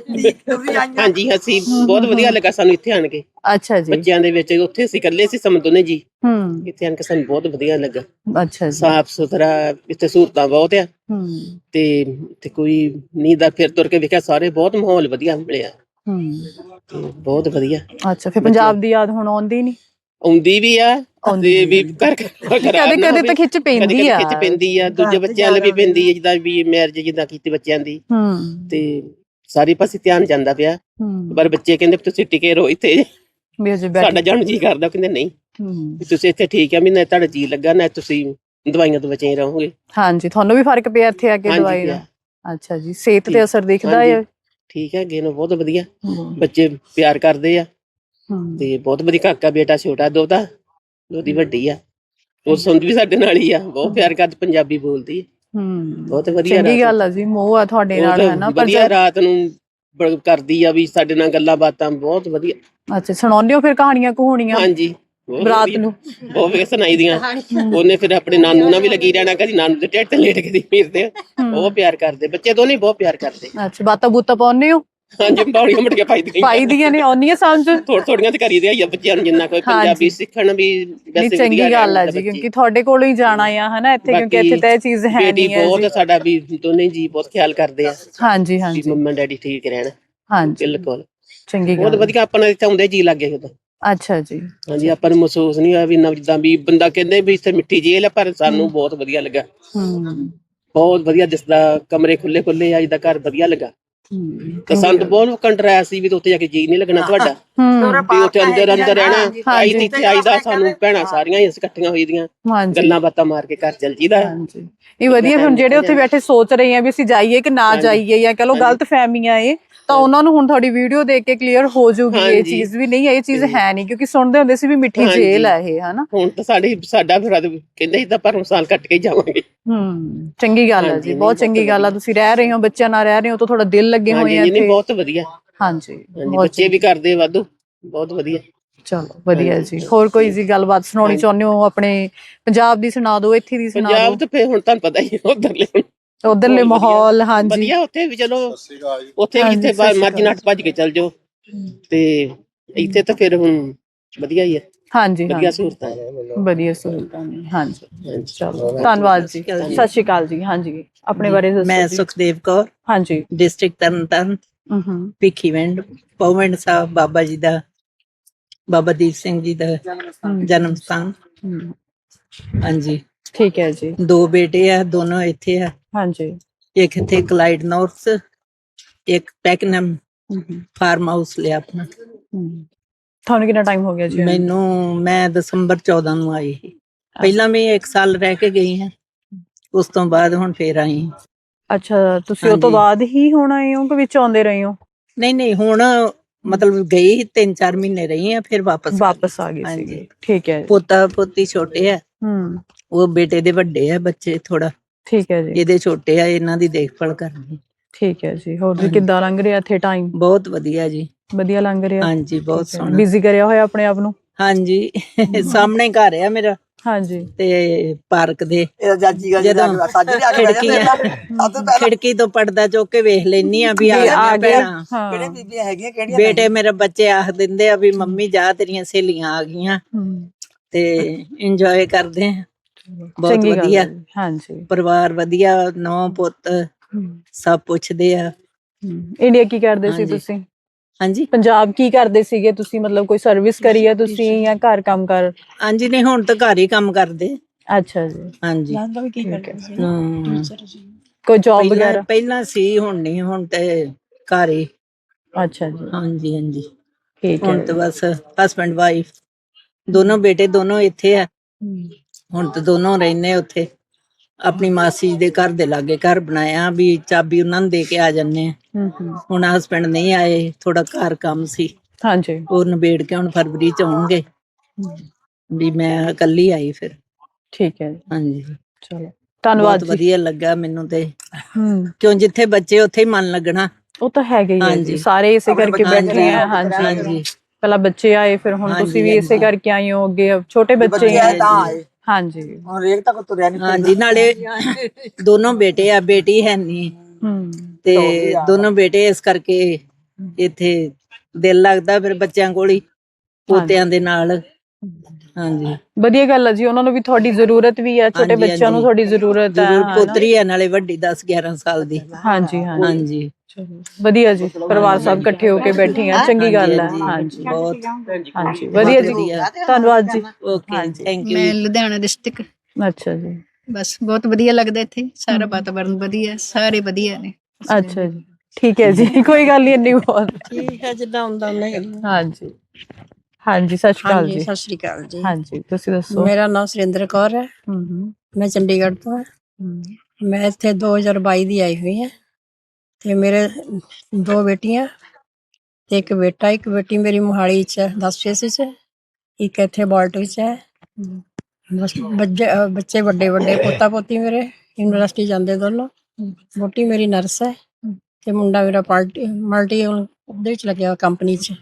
S5: ਹਾਂਜੀ, ਅਸੀਂ ਬਹੁਤ ਵਧੀਆ ਲੱਗਾ ਸਾਨੂੰ ਇੱਥੇ ਆਣ ਕੇ।
S1: ਅੱਛਾ ਜੀ।
S5: ਬੱਚਿਆਂ ਦੇ ਵਿੱਚ ਉੱਥੇ ਅਸੀਂ ਇਕੱਲੇ ਸੀ ਸਮ ਦੋਨੇ ਜੀ,
S1: ਹੂੰ,
S5: ਇੱਥੇ ਆਣ ਕੇ ਸਾਨੂੰ ਬਹੁਤ ਵਧੀਆ ਲੱਗਾ।
S1: ਅੱਛਾ ਜੀ।
S5: ਸਾਫ ਸੁਥਰਾ, ਇੱਥੇ ਸਹੂਲਤਾਂ ਬਹੁਤ ਆ
S1: ਹੂੰ,
S5: ਤੇ ਕੋਈ ਨੀ ਦਾ ਫਿਰ ਤੁਰ ਕੇ ਵੇਖਿਆ ਸਾਰੇ ਬਹੁਤ ਮਾਹੌਲ ਵਧੀਆ ਮਿਲਿਆ
S1: ਹੂੰ,
S5: ਤੇ ਬਹੁਤ ਵਧੀਆ।
S1: ਅੱਛਾ, ਫਿਰ ਪੰਜਾਬ ਦੀ ਯਾਦ ਹੁਣ ਆਉਂਦੀ ਨਹੀਂ?
S5: ਆਉਂਦੀ ਵੀ ਆ ਤੇ ਵੀ ਕਰ
S1: ਕਦੇ ਕਦੇ ਤਾਂ ਖਿੱਚ ਪੈਂਦੀ ਆ।
S5: ਖਿੱਚ ਪੈਂਦੀ ਆ, ਦੂਜੇ ਬੱਚਿਆਂ ਲਈ ਵੀ ਪੈਂਦੀ ਆ, ਜਿੱਦਾਂ ਵੀ ਮੈਰਿਜ ਜਿੱਦਾਂ ਕੀਤੀ ਬੱਚਿਆਂ ਦੀ
S1: ਹੂੰ,
S5: ਤੇ ਸਾਰੇ ਪਾਸੇ ਧਿਆਨ ਜਾਂਦਾ ਪਿਆ।
S1: ਹੂੰ,
S5: ਪਰ ਬੱਚੇ ਕਹਿੰਦੇ ਤੁਸੀਂ ਟਿਕੇ ਰਹੋ ਇੱਥੇ,
S1: ਵੀ ਅਜੇ
S5: ਸਾਡਾ
S1: ਬੈਠੇ।
S5: ਜਾਣ ਜੀ ਕਰਦਾ, ਕਹਿੰਦੇ ਨਹੀਂ
S1: ਹੂੰ,
S5: ਵੀ ਤੁਸੀਂ ਇੱਥੇ ਠੀਕ ਆ, ਵੀ ਨਾ ਤੁਹਾਡਾ ਜੀ ਲੱਗਾ, ਨਾ ਤੁਸੀਂ ਦਵਾਈਆਂ ਤੋਂ ਬਚੇ ਰਹੋਗੇ।
S1: ਹਾਂਜੀ, ਤੁਹਾਨੂੰ ਵੀ ਫਰਕ ਪਿਆ ਇੱਥੇ ਆ ਕੇ
S5: ਹਾਂਜੀ
S1: ਦਵਾਈ ਦਾ?
S5: ਪਿਆ।
S1: ਅੱਛਾ ਜੀ, ਸਿਹਤ ਤੇ ਅਸਰ ਦਿਖਦਾ
S5: ਹਾਂਜੀ,
S1: ਹੈ?
S5: ਠੀਕ ਹੈ, ਅੱਗੇ ਨੂੰ ਬਹੁਤ ਵਧੀਆ
S1: ਹੂੰ,
S5: ਬੱਚੇ ਪਿਆਰ ਕਰਦੇ ਆ
S1: ਹੂੰ,
S5: ਤੇ ਬਹੁਤ ਵਧੀਆ। ਕਾਕਾ ਬੇਟਾ ਛੋਟਾ ਦੋਤਾ, ਉਹਦੀ ਵੱਡੀ ਆ, ਉਹ ਸੁਣਦੀ ਵੀ ਸਾਡੇ ਨਾਲ ਹੀ ਆ, ਬਹੁਤ ਪਿਆਰ ਕਰਦੀ, ਪੰਜਾਬੀ ਬੋਲਦੀ ਹੈ,
S1: ਹੂੰ,
S5: ਬਹੁਤ ਵਧੀਆ।
S1: ਚੰਗੀ ਗੱਲ ਆ ਜੀ, ਮੋਹ ਆ ਤੁਹਾਡੇ
S5: ਉਹ
S1: ਨਾਲ,
S5: ਤਾਂ
S1: ਹੈ ਨਾ? ਪਰ
S5: ਵਧੀਆ ਰਾਤ ਨੂੰ ਕਰਦੀ ਆ ਵੀ ਸਾਡੇ ਨਾਲ ਗੱਲਾਂ ਬਾਤਾਂ, ਬਹੁਤ ਵਧੀਆ।
S1: ਅੱਛਾ, ਸੁਣਾਉਂਦੇ ਹੋ ਫਿਰ ਕਹਾਣੀਆਂ ਕਹਾਣੀਆਂ
S5: ਹਾਂਜੀ, ਬਹੁਤ
S1: ਰਾਤ
S5: ਵਧੀਆ,
S1: ਨੂੰ?
S5: ਬਹੁਤ ਵਧੀਆ ਸੁਣਾਈ ਦੀਆਂ। ਉਹਨੇ ਫਿਰ ਆਪਣੇ ਨਾਨੂ ਨਾਲ ਵੀ ਲੱਗੀ ਰਹਿਣਾ, ਕਦੀ ਨਾਨੂ ਦੇ ਢਿੱਡ ਤੇ ਲੇਟ ਕੇ ਫਿਰਦੇ, ਬਹੁਤ ਪਿਆਰ ਕਰਦੇ ਬੱਚੇ, ਦੋਨੇ ਬਹੁਤ ਪਿਆਰ ਕਰਦੇ।
S1: ਅੱਛਾ, ਬਾਤਾਂ ਬੂਤਾਂ ਪਾਉਂਦੇ ਹੋ?
S5: ਹਾਂਜੀ, ਬਾੜੀਆਂ ਮਟੀਆਂ
S1: ਪਾਈ ਦੀਆਂ ਨੇ, ਆਉਂਦੀਆਂ ਸਮਝ?
S5: ਥੋੜੀਆਂ ਤੇ ਕਰੀ ਦੇ ਆ ਬੱਚਿਆਂ ਨੂੰ, ਜਿੰਨਾ ਕੋਈ ਪੰਜਾਬੀ ਸਿੱਖਣ ਵੀ
S1: ਨਹੀਂ,
S5: ਵੈਸੇ
S1: ਚੰਗੀ ਗੱਲ ਆ ਜੀ, ਕਿਉਂਕਿ ਤੁਹਾਡੇ ਕੋਲੋਂ ਹੀ ਜਾਣਾ ਆ, ਹਨਾ ਇੱਥੇ, ਕਿਉਂਕਿ ਇੱਥੇ ਤਾਂ ਇਹ ਚੀਜ਼ ਹੈ
S5: ਬੇਟੀ
S1: ਨਹੀਂ ਹੈ ਜੀ।
S5: ਬਹੁਤ ਸਾਡਾ ਵੀ ਦੋਨੇ ਜੀ ਬਹੁਤ ਖਿਆਲ ਕਰਦੇ ਆ
S1: ਹਾਂਜੀ,
S5: ਵੀ
S1: ਹਾਂਜੀ,
S5: ਮੰਮਾ ਡੈਡੀ ਠੀਕ ਰਹਿਣ।
S1: ਹਾਂਜੀ,
S5: ਬਿਲਕੁਲ
S1: ਚੰਗੀ
S5: ਬਹੁਤ
S1: ਗੱਲ।
S5: ਵਧੀਆ, ਆਪਣਾ ਇੱਥੇ ਆਉਂਦੇ ਜੀ ਲੱਗੇ ਉਦੋਂ।
S1: ਅੱਛਾ ਜੀ।
S5: ਹਾਂਜੀ, ਆਪਾਂ ਨੂੰ ਮਹਿਸੂਸ ਨਹੀਂ ਹੋਇਆ ਵੀ ਨਾ, ਜਿੱਦਾਂ ਵੀ ਬੰਦਾ ਕਹਿੰਦੇ ਵੀ ਇੱਥੇ ਮਿੱਠੀ ਜੇਲ੍ਹ ਆ, ਪਰ ਸਾਨੂੰ ਬਹੁਤ ਵਧੀਆ ਲੱਗਾ,
S1: ਹੂੰ,
S5: ਬਹੁਤ ਵਧੀਆ ਦਿਸਦਾ, ਕਮਰੇ ਖੁੱਲੇ ਖੁੱਲੇ ਆ, ਜਿੱਦਾਂ ਘਰ ਵਧੀਆ ਲੱਗਾ। ਤਾਂ ਸਾਨੂੰ ਤਾਂ ਬਹੁਤ ਕੰਟਰਾ ਸੀ ਵੀ ਉੱਥੇ ਜਾ ਕੇ ਜੀ ਨਹੀਂ ਲੱਗਣਾ ਤੁਹਾਡਾ, ਵੀ ਉੱਥੇ ਅੰਦਰ ਅੰਦਰ ਰਹਿਣਾ। ਆਈ ਤੇ ਇੱਥੇ ਆਈਦਾ, ਸਾਨੂੰ ਭੈਣਾਂ ਸਾਰੀਆਂ ਹੀ ਇਕੱਠੀਆਂ ਹੋਈ ਦੀਆਂ, ਗੱਲਾਂ ਬਾਤਾਂ ਮਾਰ ਕੇ ਘਰ ਚੱਲ ਜੀਦਾ।
S1: ਇਹ ਵਧੀਆ। ਹੁਣ ਜਿਹੜੇ ਉੱਥੇ ਬੈਠੇ ਸੋਚ ਰਹੇ ਆ ਵੀ ਅਸੀਂ ਜਾਈਏ ਕਿ ਨਾ ਜਾਈਏ, ਜਾਂ ਕਹ ਲੋ ਗਲਤ ਫਹਿਮੀਆਂ ਏ, ਤਾਂ ਉਹਨਾਂ ਨੂੰ ਹੁਣ ਤੁਹਾਡੀ ਵੀਡੀਓ ਦੇਖ ਕੇ ਕਲੀਅਰ ਹੋ ਜਾਊਗੀ ਇਹ ਚੀਜ਼ ਵੀ, ਨਹੀਂ ਇਹ ਚੀਜ਼ ਹੈ ਨਹੀਂ, ਕਿਉਂਕਿ ਸੁਣਦੇ ਹੁੰਦੇ ਸੀ ਵੀ ਮਿੱਠੀ ਜੇਲ੍ਹ ਹੈ ਇਹ, ਹਨਾ?
S5: ਹੁਣ ਤਾਂ ਸਾਡਾ ਫਿਰ ਕਹਿੰਦੇ ਸੀ ਤਾਂ ਪਰ ਸਾਲ ਕੱਟ ਕੇ ਜਾਵਾਂਗੇ।
S1: ਚੰਗੀ ਗੱਲ ਹੈ ਜੀ, ਬਹੁਤ ਚੰਗੀ ਗੱਲ ਆ। ਤੁਸੀਂ ਰਹਿ ਰਹੇ ਹੋ, ਬੱਚਿਆਂ ਨਾਲ ਰਹਿ ਰਹੇ ਹੋ, ਤਾਂ ਤੁਹਾਡਾ ਦਿਲ ਲੱਗੇ ਹੋਏ ਆ ਇੱਥੇ।
S5: ਬਹੁਤ ਵਧੀਆ।
S1: ਹਾਂਜੀ,
S5: ਬੱਚੇ ਵੀ ਕਰਦੇ ਵਾਧੂ, ਬਹੁਤ ਵਧੀਆ।
S1: ਚਲੋ ਵਧੀਆ ਜੀ। ਹੋਰ ਕੋਈ ਜੀ ਗੱਲਬਾਤ ਸੁਣਾਉਣੀ ਚਾਹੁੰਦੇ ਹੋ ਆਪਣੇ ਪੰਜਾਬ ਦੀ? ਸੁਣਾ ਦਿਓ, ਇੱਥੇ ਦੀ ਸੁਣਾ ਦਿਓ।
S5: ਪੰਜਾਬ ਤੇ ਫਿਰ ਹੁਣ ਤੁਹਾਨੂੰ ਪਤਾ ਹੀ
S1: ਉਧਰਲੇ ਮਾਹੌਲ। ਹਾਂਜੀ,
S5: ਵਧੀਆ, ਉੱਥੇ ਵੀ ਚਲੋ, ਉੱਥੇ ਵੀ ਜਿੱਥੇ ਮਰਜ਼ੀ ਨੱਠ ਭੱਜ ਕੇ ਚੱਲ ਜਾਓ, ਤੇ ਇੱਥੇ ਤਾਂ ਫਿਰ ਹੁਣ ਵਧੀਆ ਹੀ ਹੈ।
S1: ਹਾਂਜੀ,
S5: ਵਧੀਆ ਸਹੂਲਤਾਂ,
S1: ਵਧੀਆ ਸਹੂਲਤਾਂ ਨੇ। ਹਾਂਜੀ, ਚਲੋ ਧੰਨਵਾਦ ਜੀ, ਸਤਿ ਸ਼੍ਰੀ ਅਕਾਲ ਜੀ। ਹਾਂਜੀ, ਆਪਣੇ ਬਾਰੇ ਦੱਸੋ।
S6: ਮੈਂ ਸੁਖਦੇਵ ਕੌਰ,
S1: ਹਾਂਜੀ,
S6: ਡਿਸਟ੍ਰਿਕਟ ਤਰਨਤਾਰਨ, ਭਿੱਖੀਵਿੰਡ, ਪੌਵਿੰਡ ਸਾਹਿਬ ਬਾਬਾ ਜੀ ਦਾ, ਬਾਬਾ ਦੀਪ ਸਿੰਘ ਜੀ ਦਾ ਜਨਮ ਸਥਾਨ। ਹਾਂਜੀ,
S1: ਠੀਕ ਹੈ ਜੀ।
S6: 2 ਬੇਟੇ ਆ, ਦੋਨੋਂ ਇੱਥੇ ਆ। ਹਾਂਜੀ, ਇੱਕ ਇੱਥੇ ਕਲਾਈਡ ਨੌਰਥ, ਇੱਕ ਪੈਕਨਮ ਫਾਰਮ ਹਾਊਸ ਲਿਆ ਆਪਣਾ।
S1: ਤੁਹਾਨੂੰ ਕਿੰਨਾ ਟਾਈਮ ਹੋ ਗਿਆ ਜੀ?
S6: ਮੈਂ ਦਸੰਬਰ 14 ਨੂੰ ਆਈ ਸੀ। ਪਹਿਲਾਂ ਵੀ 1 ਸਾਲ ਰਹਿ ਕੇ ਗਈ ਹਾਂ, ਉਸ ਤੋਂ ਬਾਅਦ ਹੁਣ ਫੇਰ ਆਈ।
S1: ਅੱਛਾ, ਤੁਸੀਂ ਉਹ ਤੋਂ ਬਾਅਦ ਹੀ ਹੁਣ ਆਏ ਹੋ ਕਿ ਵਿੱਚ ਆਉਂਦੇ ਰਹੇ ਹੋ?
S6: ਨਹੀਂ, ਹੁਣ ਮਤਲਬ ਗਈ 3-4 ਮਹੀਨੇ ਰਹੀ ਆ, ਫਿਰ ਵਾਪਸ
S1: ਆ ਗਏ ਸੀਗੇ। ਠੀਕ ਹੈ।
S6: ਪੋਤਾ ਪੋਤੀ ਛੋਟੇ ਆ, ਉਹ ਬੇਟੇ ਦੇ ਵੱਡੇ ਆ ਬੱਚੇ ਥੋੜਾ। ਠੀਕ ਹੈ ਜੀ। ਇਹਦੇ ਛੋਟੇ ਆ, ਇਹਨਾਂ ਦੀ ਦੇਖਭਾਲ ਕਰਨੀ। ਠੀਕ ਹੈ ਜੀ। ਹੋਰ ਜੀ ਕਿੱਦਾਂ ਲੰਘ ਰਿਹਾ ਇੱਥੇ ਟਾਈਮ? ਬਹੁਤ ਵਧੀਆ ਜੀ, ਵਧੀਆ ਲੰਘ ਰਿਹਾ। ਹਾਂਜੀ, ਬਹੁਤ ਸੋਹਣਾ। ਬਿਜ਼ੀ ਕਰਿਆ ਹੋਇਆ ਆਪਣੇ ਆਪ ਨੂੰ? ਹਾਂਜੀ, ਸਾਹਮਣੇ ਘਰ ਆ ਮੇਰਾ। ਹਾਂਜੀ, ਤੇ ਪਾਰਕ ਦੇ ਜਦੋਂ ਖਿੜਕੀ ਤੋਂ ਪਰਦਾ ਚੁੱਕ ਕੇ ਵੇਖ ਲੈਨੀ ਆ ਵੀ ਆ ਗਿਆ। ਬੇਟੇ ਮੇਰੇ ਬੱਚੇ ਆਖ ਦਿੰਦੇ ਆ ਵੀ ਮੰਮੀ ਜਾ ਤੇਰੀਆਂ ਸਹੇਲੀਆਂ ਆ ਗਈਆਂ, ਤੇ ਇੰਜੋਏ ਕਰਦੇ ਆ। ਬਹੁਤ ਵਧੀਆ। ਹਾਂਜੀ, ਪਰਿਵਾਰ ਵਧੀਆ, ਨੌ ਪੁੱਤ ਸਭ ਪੁੱਛਦੇ ਆ।
S1: ਇੰਡੀਆ ਕੀ ਕਰਦੇ ਸੀ ਤੁਸੀਂ? ਹਾਂਜੀ, ਪੰਜਾਬ ਕੀ ਕਰਦੇ ਸੀਗੇ ਤੁਸੀਂ? ਮਤਲਬ ਕੋਈ ਸਰਵਿਸ ਕਰੀ ਹੈ ਤੁਸੀਂ ਜਾਂ ਘਰ ਕੰਮ ਕਰ?
S6: ਹਾਂਜੀ, ਨਹੀਂ ਹੁਣ ਤਾਂ ਘਰ ਹੀ ਕੰਮ ਕਰਦੇ।
S1: ਅੱਛਾ ਜੀ। ਹਾਂਜੀ,
S6: ਕੋਈ ਜੌਬ ਵਗੈਰਾ ਪਹਿਲਾਂ ਸੀ, ਹੁਣ ਨਹੀਂ, ਹੁਣ ਤੇ ਘਰ ਹੀ।
S1: ਅੱਛਾ ਜੀ।
S6: ਹਾਂਜੀ, ਠੀਕ ਹੈ। ਹੁਣ ਤਾਂ ਬਸ ਹਸਬੈਂਡ ਵਾਈਫ ਦੋਨੋਂ, ਬੇਟੇ ਦੋਨੋਂ ਇੱਥੇ ਆ। ਹੁਣ ਤਾਂ ਦੋਨੋਂ ਰਹਿੰਦੇ ਉੱਥੇ। ਆਪਣੀ ਮਾਸੀ ਦੇ ਘਰ ਦੇ ਲਾਗੇ ਘਰ ਬਣਾਇਆ, ਵੀ ਚਾਬੀ ਉਹਨਾਂ ਨੂੰ ਦੇ ਕੇ ਆ ਜਾਂਦੇ ਆ। ਹੁਣ ਹਸਬੈਂਡ ਨਹੀਂ ਆਏ, ਥੋੜਾ ਘਰ ਕੰਮ ਸੀ। ਹਾਂਜੀ, ਉਹ ਨਿਬੇੜ ਕੇ ਹੁਣ ਫਰਵਰੀ ਚ ਆਉਣਗੇ, ਵੀ ਮੈਂ ਇਕੱਲੀ ਆਈ ਫਿਰ। ਠੀਕ ਹੈ। ਹਾਂਜੀ, ਚਲੋ ਧੰਨਵਾਦ। ਬਹੁਤ ਵਧੀਆ ਲੱਗਾ ਮੈਨੂੰ ਤੇ, ਕਿਉਂ ਜਿੱਥੇ ਬੱਚੇ ਉੱਥੇ ਹੀ ਮਨ ਲੱਗਣਾ। ਉਹ ਤਾਂ ਹੈਗਾ ਹੀ ਹੈ ਜੀ, ਸਾਰੇ ਇਸੇ ਕਰਕੇ ਬੈਠੇ ਆ। ਹਾਂਜੀ, ਪਹਿਲਾਂ ਬੱਚੇ ਆਏ, ਫਿਰ ਹੁਣ ਤੁਸੀਂ ਵੀ ਇਸੇ ਕਰਕੇ ਆਏ ਹੋ। ਅੱਗੇ ਛੋਟੇ ਬੱਚੇ
S1: ਹਾਂਜੀ
S2: ਹੁਣ ਰੇਕ ਤੱਕ ਤੁਰਿਆ ਨਹੀਂ
S6: ਹਾਂਜੀ ਨਾਲੇ ਦੋਨੋਂ ਬੇਟੇ ਆ, ਬੇਟੀ ਹੈ ਨਹੀਂ ਤੇ ਦੋਨੋਂ ਬੇਟੇ, ਇਸ ਕਰਕੇ ਇੱਥੇ ਦਿਲ ਲੱਗਦਾ ਫਿਰ ਬੱਚਿਆਂ ਕੋਲ ਹੀ, ਪੋਤਿਆਂ ਦੇ ਨਾਲ। ਹਾਂਜੀ
S1: ਵਧੀਆ ਗੱਲ ਹੈ ਜੀ, ਉਹਨਾਂ ਨੂੰ ਵੀ ਤੁਹਾਡੀ ਜ਼ਰੂਰਤ ਵੀ ਹੈ, ਛੋਟੇ
S6: ਹਾਂਜੀ,
S1: ਬੱਚਿਆਂ ਨੂੰ
S6: ਹਾਂਜੀ।
S1: ਤੁਹਾਡੀ ਜ਼ਰੂਰਤ ਹੈ।
S6: ਜ਼ਰੂਰ, ਪੋਤਰੀ ਹੈ ਨਾਲੇ ਵੱਡੀ 10-11 ਸਾਲ ਦੀ।
S1: ਹਾਂਜੀ ਹਾਂਜੀ
S6: ਹਾਂਜੀ
S1: ਵਧੀਆ ਜੀ, ਪਰਿਵਾਰ ਸਭ ਇਕੱਠੇ ਹੋ ਕੇ ਬੈਠੇ ਆ, ਚੰਗੀ ਗੱਲ ਹੈ। ਹਾਂਜੀ
S6: ਬਹੁਤ
S1: ਹਾਂਜੀ ਵਧੀਆ ਜੀ, ਧੰਨਵਾਦ ਜੀ।
S6: Okay, thank you.
S7: ਮੈਂ ਲੁਧਿਆਣਾ ਡਿਸਟ੍ਰਿਕਟ।
S1: ਅੱਛਾ ਜੀ,
S7: ਬਸ ਬਹੁਤ ਵਧੀਆ ਲੱਗਦਾ ਇੱਥੇ, ਸਾਰਾ ਵਾਤਾਵਰਨ ਵਧੀਆ, ਸਾਰੇ ਵਧੀਆ ਨੇ।
S1: ਅੱਛਾ ਜੀ, ਠੀਕ ਹੈ ਜੀ, ਕੋਈ ਗੱਲ ਨਹੀਂ, ਇੰਨੀ ਬਹੁਤ
S3: ਠੀਕ ਹੈ, ਜਿੱਦਾਂ ਹੁੰਦਾ ਉਹਨੇ।
S1: ਹਾਂਜੀ ਹਾਂਜੀ, ਸਤਿ ਸ਼੍ਰੀ ਅਕਾਲ
S3: ਹਾਂਜੀ,
S1: ਜੀ।
S3: ਸਤਿ ਸ਼੍ਰੀ ਅਕਾਲ ਜੀ।
S1: ਹਾਂਜੀ ਤੁਸੀਂ ਦੱਸੋ।
S3: ਮੇਰਾ ਨਾਮ ਸੁਰਿੰਦਰ ਕੌਰ ਹੈ, ਮੈਂ ਚੰਡੀਗੜ੍ਹ ਤੋਂ ਹਾਂ। ਮੈਂ ਇੱਥੇ 2022 ਦੀ ਆਈ ਹੋਈ ਹਾਂ ਤੇ ਮੇਰੇ 2 ਬੇਟੀਆਂ ਤੇ 1 ਬੇਟਾ। 1 ਬੇਟੀ ਮੇਰੀ ਮੋਹਾਲੀ ਚ ਹੈ 10 ਫੇਸ ਚ, 1 ਇੱਥੇ ਬਾਲਟ ਵਿੱਚ ਹੈ। ਬਸ ਬੱਚੇ ਵੱਡੇ ਵੱਡੇ, ਪੋਤਾ ਪੋਤੀ ਮੇਰੇ ਯੂਨੀਵਰਸਿਟੀ ਜਾਂਦੇ ਦੋਨੋਂ। ਵੋਟੀ ਮੇਰੀ ਨਰਸ ਹੈ ਤੇ ਮੁੰਡਾ ਮੇਰਾ ਮਲਟੀ ਉਹਦੇ ਵਿੱਚ ਲੱਗਿਆ ਕੰਪਨੀ ਚ।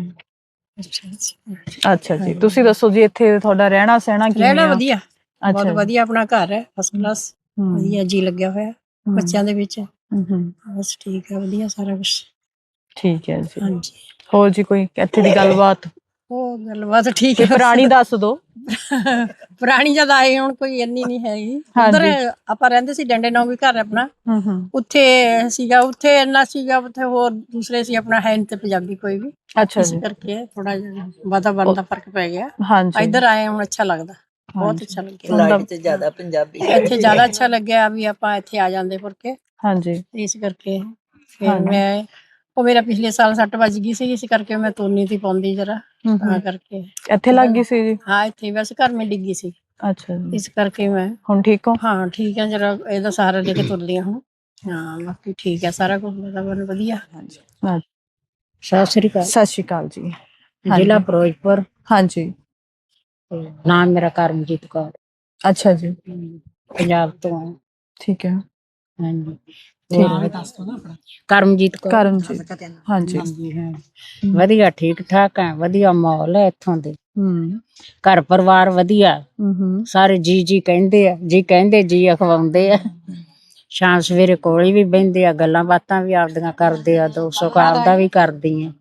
S1: ਅੱਛਾ ਜੀ, ਤੁਸੀਂ ਦੱਸੋ ਜੀ, ਇੱਥੇ ਤੁਹਾਡਾ ਰਹਿਣਾ ਸਹਿਣਾ ਕਿਵੇਂ
S3: ਰਹਿਣਾ
S1: ਆ?
S3: ਵਧੀਆ, ਬਹੁਤ
S1: ਅੱਛਾ
S3: ਵਧੀਆ, ਆਪਣਾ ਘਰ ਹੈ ਫਸਟ ਕਲਾਸ, ਵਧੀਆ ਜੀ ਲੱਗਿਆ ਹੋਇਆ ਬੱਚਿਆਂ ਦੇ ਵਿੱਚ। ਬਸ ਠੀਕ ਹੈ, ਵਧੀਆ ਸਾਰਾ ਕੁਝ।
S1: ਠੀਕ ਹੈ ਜੀ,
S3: ਹਾਂਜੀ,
S1: ਹੋਰ ਜੀ ਕੋਈ ਇੱਥੇ ਦੀ ਗੱਲਬਾਤ,
S3: ਉਹ ਗੱਲਬਾਤ ਠੀਕ
S1: ਕੋਈ
S3: ਹੈ।
S1: ਪੁਰਾਣੀ ਦੱਸ ਦੋ।
S3: ਪੁਰਾਣੀ ਜਦ ਆਏ, ਹੁਣ ਕੋਈ ਇੰਨੀ ਨਹੀਂ ਹੈਗੀ। ਉਧਰ ਆਪਾਂ ਰਹਿੰਦੇ ਸੀ, ਡੰਡੇ ਨੌ ਵੀ ਘਰ ਆਪਣਾ, ਉੱਥੇ ਸੀਗਾ, ਉੱਥੇ ਇੰਨਾ ਸੀਗਾ, ਉੱਥੇ ਹੋਰ ਦੂਸਰੇ ਸੀ, ਆਪਣਾ ਹੈ ਨਹੀਂ ਤੇ ਪੰਜਾਬੀ ਕੋਈ ਵੀ।
S1: ਅੱਛਾ
S3: ਇਸ
S1: ਜੀ,
S3: ਕਰਕੇ ਥੋੜਾ ਜਿਹਾ ਵਾਤਾਵਰਨ ਦਾ ਫਰਕ ਪੈ ਗਿਆ।
S1: ਹਾਂਜੀ
S3: ਇੱਧਰ ਆਏ ਹੁਣ ਅੱਛਾ ਲੱਗਦਾ, ਬਹੁਤ ਅੱਛਾ ਲੱਗਿਆ।
S6: ਫਲਾਈਟ 'ਚ ਜ਼ਿਆਦਾ ਪੰਜਾਬੀ।
S3: ਇੱਥੇ ਜ਼ਿਆਦਾ ਅੱਛਾ ਲੱਗਿਆ ਵੀ ਆਪਾਂ ਇੱਥੇ ਆ ਜਾਂਦੇ ਫੁਰ ਕੇ,
S1: ਹਾਂਜੀ
S3: ਇਸ ਕਰਕੇ। ਫਿਰ ਮੈਂ, ਉਹ ਮੇਰਾ ਪਿਛਲੇ ਸਾਲ 6 ਵੱਜ ਗਈ ਸੀ, ਇਸ ਕਰਕੇ ਮੈਂ ਤੋਨੀ ਤੀ ਪਾਉਂਦੀ ਜਰਾ, ਤਾਂ ਕਰਕੇ।
S1: ਇੱਥੇ ਲੱਗ ਗਈ ਸੀ ਜੀ?
S3: ਹਾਂ, ਇੱਥੇ ਵੈਸੇ ਘਰ ਮੇਂ ਡਿੱਗੀ ਸੀ,
S1: ਅੱਛਾ ਜੀ,
S3: ਇਸ ਕਰਕੇ ਮੈਂ
S1: ਹੁਣ ਠੀਕ ਹੋ?
S3: ਹਾਂ ਠੀਕ ਹੈ, ਜਰਾ ਇਹਦਾ ਸਹਾਰਾ ਲੈ ਕੇ ਤੁਰਦੀ ਹਾਂ ਹੁਣ। ਹਾਂ ਬਾਕੀ ਠੀਕ ਹੈ, ਸਾਰਾ ਕੁਝ ਵਾਤਾਵਰਨ ਵਧੀਆ।
S8: ਸਤਿ ਸ੍ਰੀ ਅਕਾਲ।
S1: ਸਤਿ ਸ਼੍ਰੀ ਅਕਾਲ ਜੀ।
S8: ਜ਼ਿਲ੍ਹਾ ਫਿਰੋਜ਼ਪੁਰ।
S1: ਹਾਂਜੀ,
S8: ਨਾਮ ਮੇਰਾ ਕਰਮਜੀਤ ਕੌਰ,
S1: ਅੱਛਾ ਜੀ,
S8: ਪੰਜਾਬ ਤੋਂ ਹਾਂ।
S1: ਠੀਕ ਹੈ,
S8: ਹਾਂਜੀ, ਕਰਮਜੀਤ ਕੌਰ।
S1: ਕਰਮਜੀਤ, ਹਾਂਜੀ,
S8: ਹਾਂ, ਵਧੀਆ, ਠੀਕ ਠਾਕ ਹੈ, ਵਧੀਆ ਮਾਹੌਲ ਹੈ ਇੱਥੋਂ ਦੇ। ਘਰ ਪਰਿਵਾਰ ਵਧੀਆ, ਸਾਰੇ ਜੀ ਕਹਿੰਦੇ ਆ, ਜੀ ਕਹਿੰਦੇ, ਜੀ ਅਖਵਾਉਂਦੇ ਆ। ਸ਼ਾਮ ਸਵੇਰੇ ਕੋਲ ਵੀ ਬਹਿੰਦੇ ਆ, ਗੱਲਾਂ ਬਾਤਾਂ ਵੀ ਆਪਦੀਆਂ ਕਰਦੇ ਆ, ਦੁੱਖ ਸੁੱਖ ਆਪਦਾ ਵੀ ਕਰਦੀ ਆ।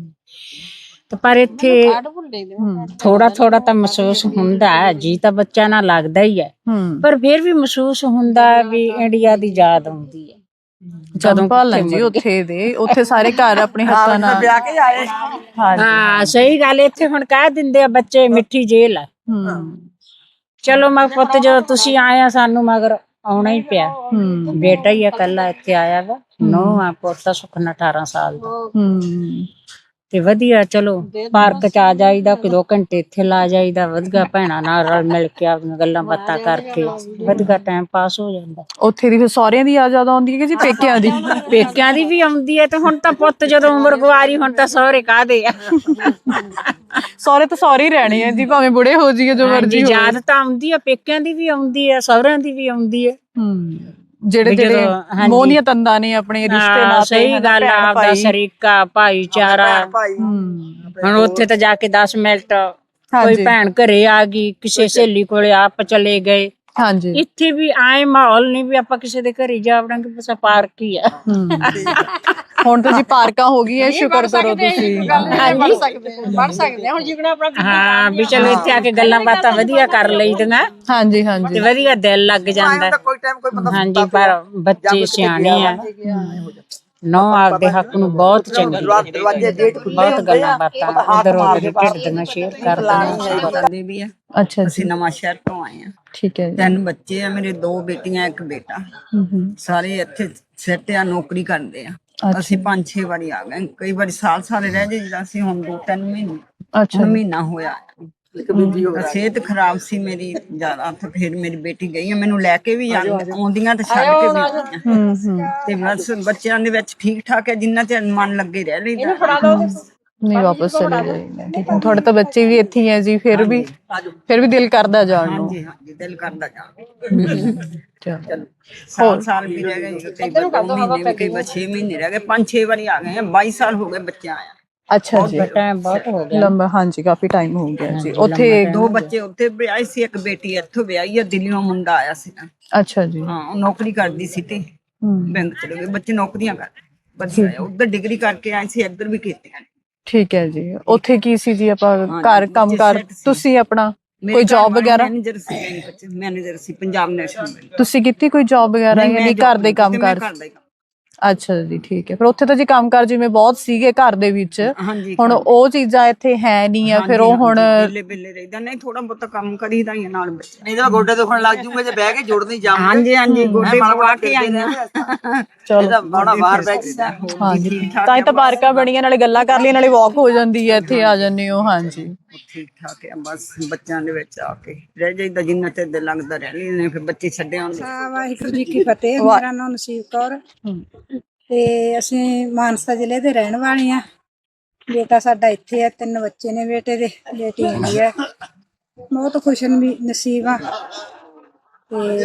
S8: ਪਰ ਇੱਥੇ ਥੋੜਾ ਥੋੜਾ ਤਾਂ ਮਹਿਸੂਸ ਹੁੰਦਾ ਹੈ, ਜੀ ਤਾਂ ਬੱਚਿਆਂ ਨਾਲ ਲੱਗਦਾ ਹੀ ਹੈ, ਪਰ ਫਿਰ ਵੀ ਮਹਿਸੂਸ ਹੁੰਦਾ ਵੀ ਇੰਡੀਆ ਦੀ ਯਾਦ ਆਉਂਦੀ ਹੈ।
S1: ਜੰਪਾਲ ਜੀ ਉੱਥੇ ਦੇ, ਉੱਥੇ ਸਾਰੇ ਘਰ ਆਪਣੇ ਹੱਥਾਂ ਨਾਲ
S2: ਵਿਆਹ ਕੇ ਆਏ।
S8: ਹਾਂ ਸਹੀ ਗੱਲ, ਇੱਥੇ ਹੁਣ ਕਹਿ ਦਿੰਦੇ ਆ ਬੱਚੇ ਮਿੱਠੀ ਜੇਲ ਆ। ਚਲੋ ਮੈਂ ਪੁੱਤ, ਜਦੋਂ ਤੁਸੀਂ ਆਏ ਆ ਸਾਨੂੰ ਮਗਰ ਆਉਣਾ ਹੀ ਪਿਆ। ਬੇਟਾ ਹੀ ਆ ਇਕੱਲਾ ਇੱਥੇ ਆਇਆ ਵਾ, ਨੂੰਹ ਆ, ਪੋਤਾ ਸੁਖਨਾ 18 ਸਾਲ ਦਾ। ਤੇ ਵਧੀਆ, ਚਲੋ ਪਾਰਕ ਚ ਆ ਜਾਈਦਾ, 2 ਘੰਟੇ ਇੱਥੇ ਲਾ ਜਾਈਦਾ, ਵਧੀਆ ਭੈਣਾਂ ਨਾਲ ਰਲ ਮਿਲ ਕੇ ਆਪਣੀਆਂ ਗੱਲਾਂ ਬਾਤਾਂ ਕਰਕੇ ਵਧੀਆ ਟਾਈਮ ਪਾਸ ਹੋ ਜਾਂਦਾ।
S1: ਉੱਥੇ ਦੀ ਫਿਰ ਸਹੁਰਿਆਂ ਦੀ ਯਾਦ ਜ਼ਿਆਦਾ ਆਉਂਦੀ ਹੈ ਕਿ ਜੀ ਪੇਕਿਆਂ ਦੀ?
S8: ਪੇਕਿਆਂ ਦੀ ਵੀ ਆਉਂਦੀ ਹੈ, ਤੇ ਹੁਣ ਤਾਂ ਪੁੱਤ ਜਦੋਂ ਉਮਰ ਗੁਆਰੀ, ਹੁਣ ਤਾਂ ਸਹੁਰੇ ਕਾਹਦੇ ਆ।
S1: ਸਹੁਰੇ ਤਾਂ ਸਹੁਰੇ ਹੀ ਰਹਿਣੇ ਆ ਜੀ, ਭਾਵੇਂ ਬੁੜੇ ਹੋ ਜਾਈਏ, ਜੋ ਮਰਜੀ ਹੋਵੇ।
S8: ਯਾਦ ਤਾਂ ਆਉਂਦੀ ਆ, ਪੇਕਿਆਂ ਦੀ ਵੀ ਆਉਂਦੀ ਆ, ਸਹੁਰਿਆਂ ਦੀ ਵੀ ਆਉਂਦੀ ਹੈ।
S1: ਜਿਹੜੇ ਮੋਹ ਦੀਆਂ ਤੰਦਾਂ ਨੇ, ਆਪਣੇ ਰਿਸ਼ਤੇ ਨਾਲ।
S8: ਸਹੀ ਗੱਲ ਆ, ਆਪਦਾ ਸਰੀਕਾ ਭਾਈਚਾਰਾ। ਹੁਣ ਉੱਥੇ ਤਾਂ ਜਾ ਕੇ 10 ਮਿੰਟ ਕੋਈ ਭੈਣ ਘਰੇ ਆ ਗਈ, ਕਿਸੇ ਸਹੇਲੀ ਕੋਲੇ ਆਪ ਚਲੇ ਗਏ।
S1: ਹਾਂਜੀ,
S8: ਇੱਥੇ ਵੀ ਆਏ ਮਾਹੌਲ ਨਹੀਂ ਵੀ ਆਪਾਂ ਕਿਸੇ ਦੇ ਘਰੇ ਜਾ ਵੜਾਂਗੇ, ਬਸ ਪਾਰਕ ਹੀ ਆ।
S1: ਹੁਣ ਤਾਂ ਜੀ ਪਾਰਕਾਂ ਹੋ ਗਈਆਂ, ਸ਼ੁਕਰ ਕਰੋ ਤੁਸੀਂ।
S3: ਪੜ ਸਕਦੇ ਹੁਣ ਜਿਗਣਾ ਆਪਣਾ।
S8: ਹਾਂ ਵੀ ਚਲੋ ਇੱਥੇ ਆ ਕੇ ਗੱਲਾਂ ਬਾਤਾਂ ਵਧੀਆ ਕਰ ਲਈਦੀਆਂ।
S1: ਹਾਂਜੀ ਹਾਂਜੀ,
S8: ਤੇ ਵਧੀਆ ਦਿਲ ਲੱਗ ਜਾਂਦਾ। ਹਾਂਜੀ, ਪਰ ਬੱਚੇ ਸਿਆਣੇ ਆ, ਨੌ ਆਪਦੇ ਹੱਕ ਨੂੰ ਬਹੁਤ ਚੰਗੀ, ਬਹੁਤ ਗੱਲਾਂ ਬਾਤਾਂ ਉਧਰ ਉਧਰ ਢਿੱਡ ਦੀਆਂ ਸ਼ੇਅਰ ਕਰਦੇ ਵੀ ਆ।
S1: ਅੱਛਾ,
S6: ਅਸੀਂ ਨਵਾਂ ਸ਼ਹਿਰ ਤੋਂ ਆਏ ਆ।
S1: ਠੀਕ ਹੈ ਜੀ।
S6: 3 ਬੱਚੇ ਆ ਮੇਰੇ, 2 ਬੇਟੀਆਂ 1 ਬੇਟਾ। ਸਾਰੇ ਇੱਥੇ ਸੈੱਟ ਆ, ਨੌਕਰੀ ਕਰਦੇ ਆ। ਅਸੀਂ 5-6 ਵਾਰੀ ਆ ਗਏ, ਕਈ ਵਾਰੀ ਸਾਲ ਰਹਿ ਜਾਈਦਾ। ਅਸੀਂ ਹੁਣ 2-3 ਮਹੀਨੇ, ਹੁਣ ਮਹੀਨਾ ਹੋਇਆ। ਸਿਹਤ ਖਰਾਬ ਸੀ ਮੇਰੀ ਜ਼ਿਆਦਾ, ਤੇ ਫਿਰ ਮੇਰੀ ਬੇਟੀ ਗਈ, ਮੈਨੂੰ ਲੈ ਕੇ ਵੀ ਆਉਂਦੀਆਂ ਤੇ ਛੱਡ ਕੇ ਵੀ ਆਉਂਦੀਆਂ। ਤੇ ਬਸ ਬੱਚਿਆਂ ਦੇ ਵਿੱਚ ਠੀਕ ਠਾਕ ਹੈ, ਜਿੰਨਾ ਚਿਰ ਮਨ ਲੱਗੇ ਰਹਿ ਲਈਦਾ।
S1: ਨਹੀਂ, ਵਾਪਸ ਚਲੇ ਜਾਈਦਾ। ਠੀਕ ਹੈ, ਤੁਹਾਡੇ ਤਾਂ ਬੱਚੇ ਵੀ ਇੱਥੇ ਹੀ ਹੈ ਜੀ, ਫਿਰ ਵੀ ਦਿਲ ਕਰਦਾ ਜਾਣ ਨੂੰ।
S6: ਹਾਂਜੀ, ਦਿਲ ਕਰਦਾ ਜਾਣ। ਸਾਲ ਵੀ ਰਹਿ ਗਏ, ਕਈ 2 ਮਹੀਨੇ ਵੀ, ਕਈ 6 ਮਹੀਨੇ ਰਹਿ ਗਏ, 5-6 ਵਾਰੀ ਆ ਗਏ ਆ। 22 ਸਾਲ ਹੋ ਗਏ ਬੱਚਿਆਂ ਆਇਆ।
S1: ਅੱਛਾ ਜੀ,
S8: ਟਾਈਮ ਬਹੁਤ ਹੋ ਗਿਆ।
S1: ਲੰਬਾ, ਹਾਂਜੀ ਕਾਫੀ ਟਾਈਮ ਹੋ ਗਿਆ ਜੀ। ਉੱਥੇ
S9: ਦੋ ਬੱਚੇ ਉੱਥੇ ਵਿਆਹੇ ਸੀ, ਇੱਕ ਬੇਟੀ ਇੱਥੋਂ ਵਿਆਹੀ ਆ, ਦਿੱਲੀੋਂ ਮੁੰਡਾ ਆਇਆ ਸੀ।
S1: ਅੱਛਾ ਜੀ।
S9: ਹਾਂ, ਉਹ ਨੌਕਰੀ ਕਰਦੀ ਸੀ ਤੇ ਬੈਂਕ ਚਲੇ ਗਏ, ਬੱਚੇ ਨੌਕਰੀਆਂ ਕਰਦੇ ਵਧੀਆ। ਉੱਧਰ ਡਿਗਰੀ ਕਰਕੇ ਆਏ ਸੀ, ਇੱਧਰ ਵੀ ਕੀਤੀਆਂ।
S1: ਠੀਕ ਹੈ ਜੀ। ਉੱਥੇ ਕੀ ਸੀ ਜੀ, ਆਪਾਂ ਘਰ ਕੰਮ ਕਰ, ਤੁਸੀਂ ਆਪਣਾ ਕੋਈ ਜੌਬ ਵਗੈਰਾ?
S9: ਮੈਨੇਜਰ ਸੀ ਪੰਜਾਬ ਨੈਸ਼ਨਲ ਬੈਂਕ।
S1: ਤੁਸੀਂ ਕੀਤੀ ਕੋਈ ਜੌਬ ਵਗੈਰਾ ਜਾਂ ਨਹੀਂ ਘਰ ਦੇ ਕੰਮ ਕਰ? ਅੱਛਾ ਜੀ, ਠੀਕ ਹੈ। ਫਿਰ ਉੱਥੇ ਤਾਂ ਜੀ ਕੰਮ ਕਾਰ ਜਿਵੇਂ ਬਹੁਤ ਸੀਗੇ ਘਰ ਦੇ ਵਿੱਚ, ਹੁਣ ਉਹ ਚੀਜ਼ਾਂ ਇੱਥੇ ਹੈ ਨਹੀਂ ਆ, ਫਿਰ ਉਹ ਹੁਣ
S9: ਬਿੱਲੇ ਰਹਿਦਾ ਨਹੀਂ, ਥੋੜਾ ਬਹੁਤਾ ਕੰਮ ਕਰੀਦਾ ਹੀ ਨਾਲ ਬੱਚੇ।
S2: ਨਹੀਂ ਤਾਂ ਗੋਡੇ ਦੁਖਣ ਲੱਗ ਜੂਗੇ ਜੇ ਬਹਿ ਕੇ ਜੁੜਨੀ ਜਾਮ।
S9: ਹਾਂਜੀ ਗੋਡੇ ਪਵਾ ਕੇ ਆਈਆਂ।
S2: ਚਲੋ ਬੜਾ ਬਾਹਰ ਬੈਠ ਜਾ।
S1: ਹਾਂਜੀ, ਤਾਂ ਹੀ ਤਾਂ ਪਾਰਕਾਂ ਬਣੀਆਂ, ਨਾਲੇ ਗੱਲਾਂ ਕਰ ਲਈਆਂ, ਨਾਲੇ ਵਾਕ ਹੋ ਜਾਂਦੀ ਹੈ, ਇੱਥੇ ਆ ਜਾਂਦੇ ਹੋ। ਹਾਂਜੀ,
S9: ਠੀਕ ਠਾਕ ਹੈ, ਬਸ ਬੱਚਿਆਂ ਦੇ ਵਿੱਚ ਆ ਕੇ ਰਹਿ ਜਾਈਦਾ, ਜਿੰਨਾ ਚਿਰ ਦਿਲ ਲੱਗਦਾ ਰਹਿ ਲੈਂਦੇ, ਫਿਰ ਬੱਚੇ ਛੱਡੇ ਆਉਂਦੇ।
S3: ਵਾਹਿਗੁਰੂ ਜੀ ਕੀ ਫਤਿਹ। ਮੇਰਾ ਨਾਮ ਨਸੀਬ ਕੌਰ ਤੇ ਅਸੀਂ ਮਾਨਸਾ ਜ਼ਿਲ੍ਹੇ ਦੇ ਰਹਿਣ ਵਾਲੇ ਆ। ਬੇਟਾ ਸਾਡਾ ਇੱਥੇ ਆ, 3 ਬੱਚੇ ਨੇ ਬੇਟੇ ਦੇ, ਬੇਟੀ ਹੈਗੀ ਆ। ਬਹੁਤ ਖੁਸ਼ ਨਸੀਬ ਆ ਤੇ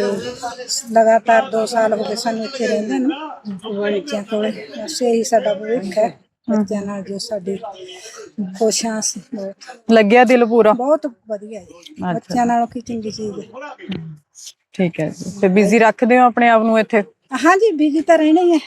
S3: ਲਗਾਤਾਰ 2 ਸਾਲ ਹੋ ਗਏ ਸਾਨੂੰ ਇੱਥੇ ਰਹਿੰਦੇ ਨੂੰ ਬੱਚਿਆਂ ਕੋਲ। ਬਸ ਇਹੀ ਸਾਡਾ ਭਵਿੱਖ ਹੈ, ਬੱਚਿਆਂ ਨਾਲ ਜੋ ਸਾਡੀ ਖੁਸ਼ ਹਾਂ ਅਸੀਂ। ਬਹੁਤ
S1: ਲੱਗਿਆ ਦਿਲ ਪੂਰਾ?
S3: ਬਹੁਤ ਵਧੀਆ ਜੀ, ਬੱਚਿਆਂ ਨਾਲੋਂ ਕੀ ਚੰਗੀ ਚੀਜ਼ ਹੈ।
S1: ਠੀਕ ਹੈ ਜੀ। ਤੇ ਬਿਜ਼ੀ ਰੱਖਦੇ ਹੋ ਆਪਣੇ ਆਪ ਨੂੰ ਇੱਥੇ?
S3: ਹਾਂਜੀ, ਬਿਜੀ ਤਾਂ ਰਹਿਣਾ ਹੀ ਹੈ।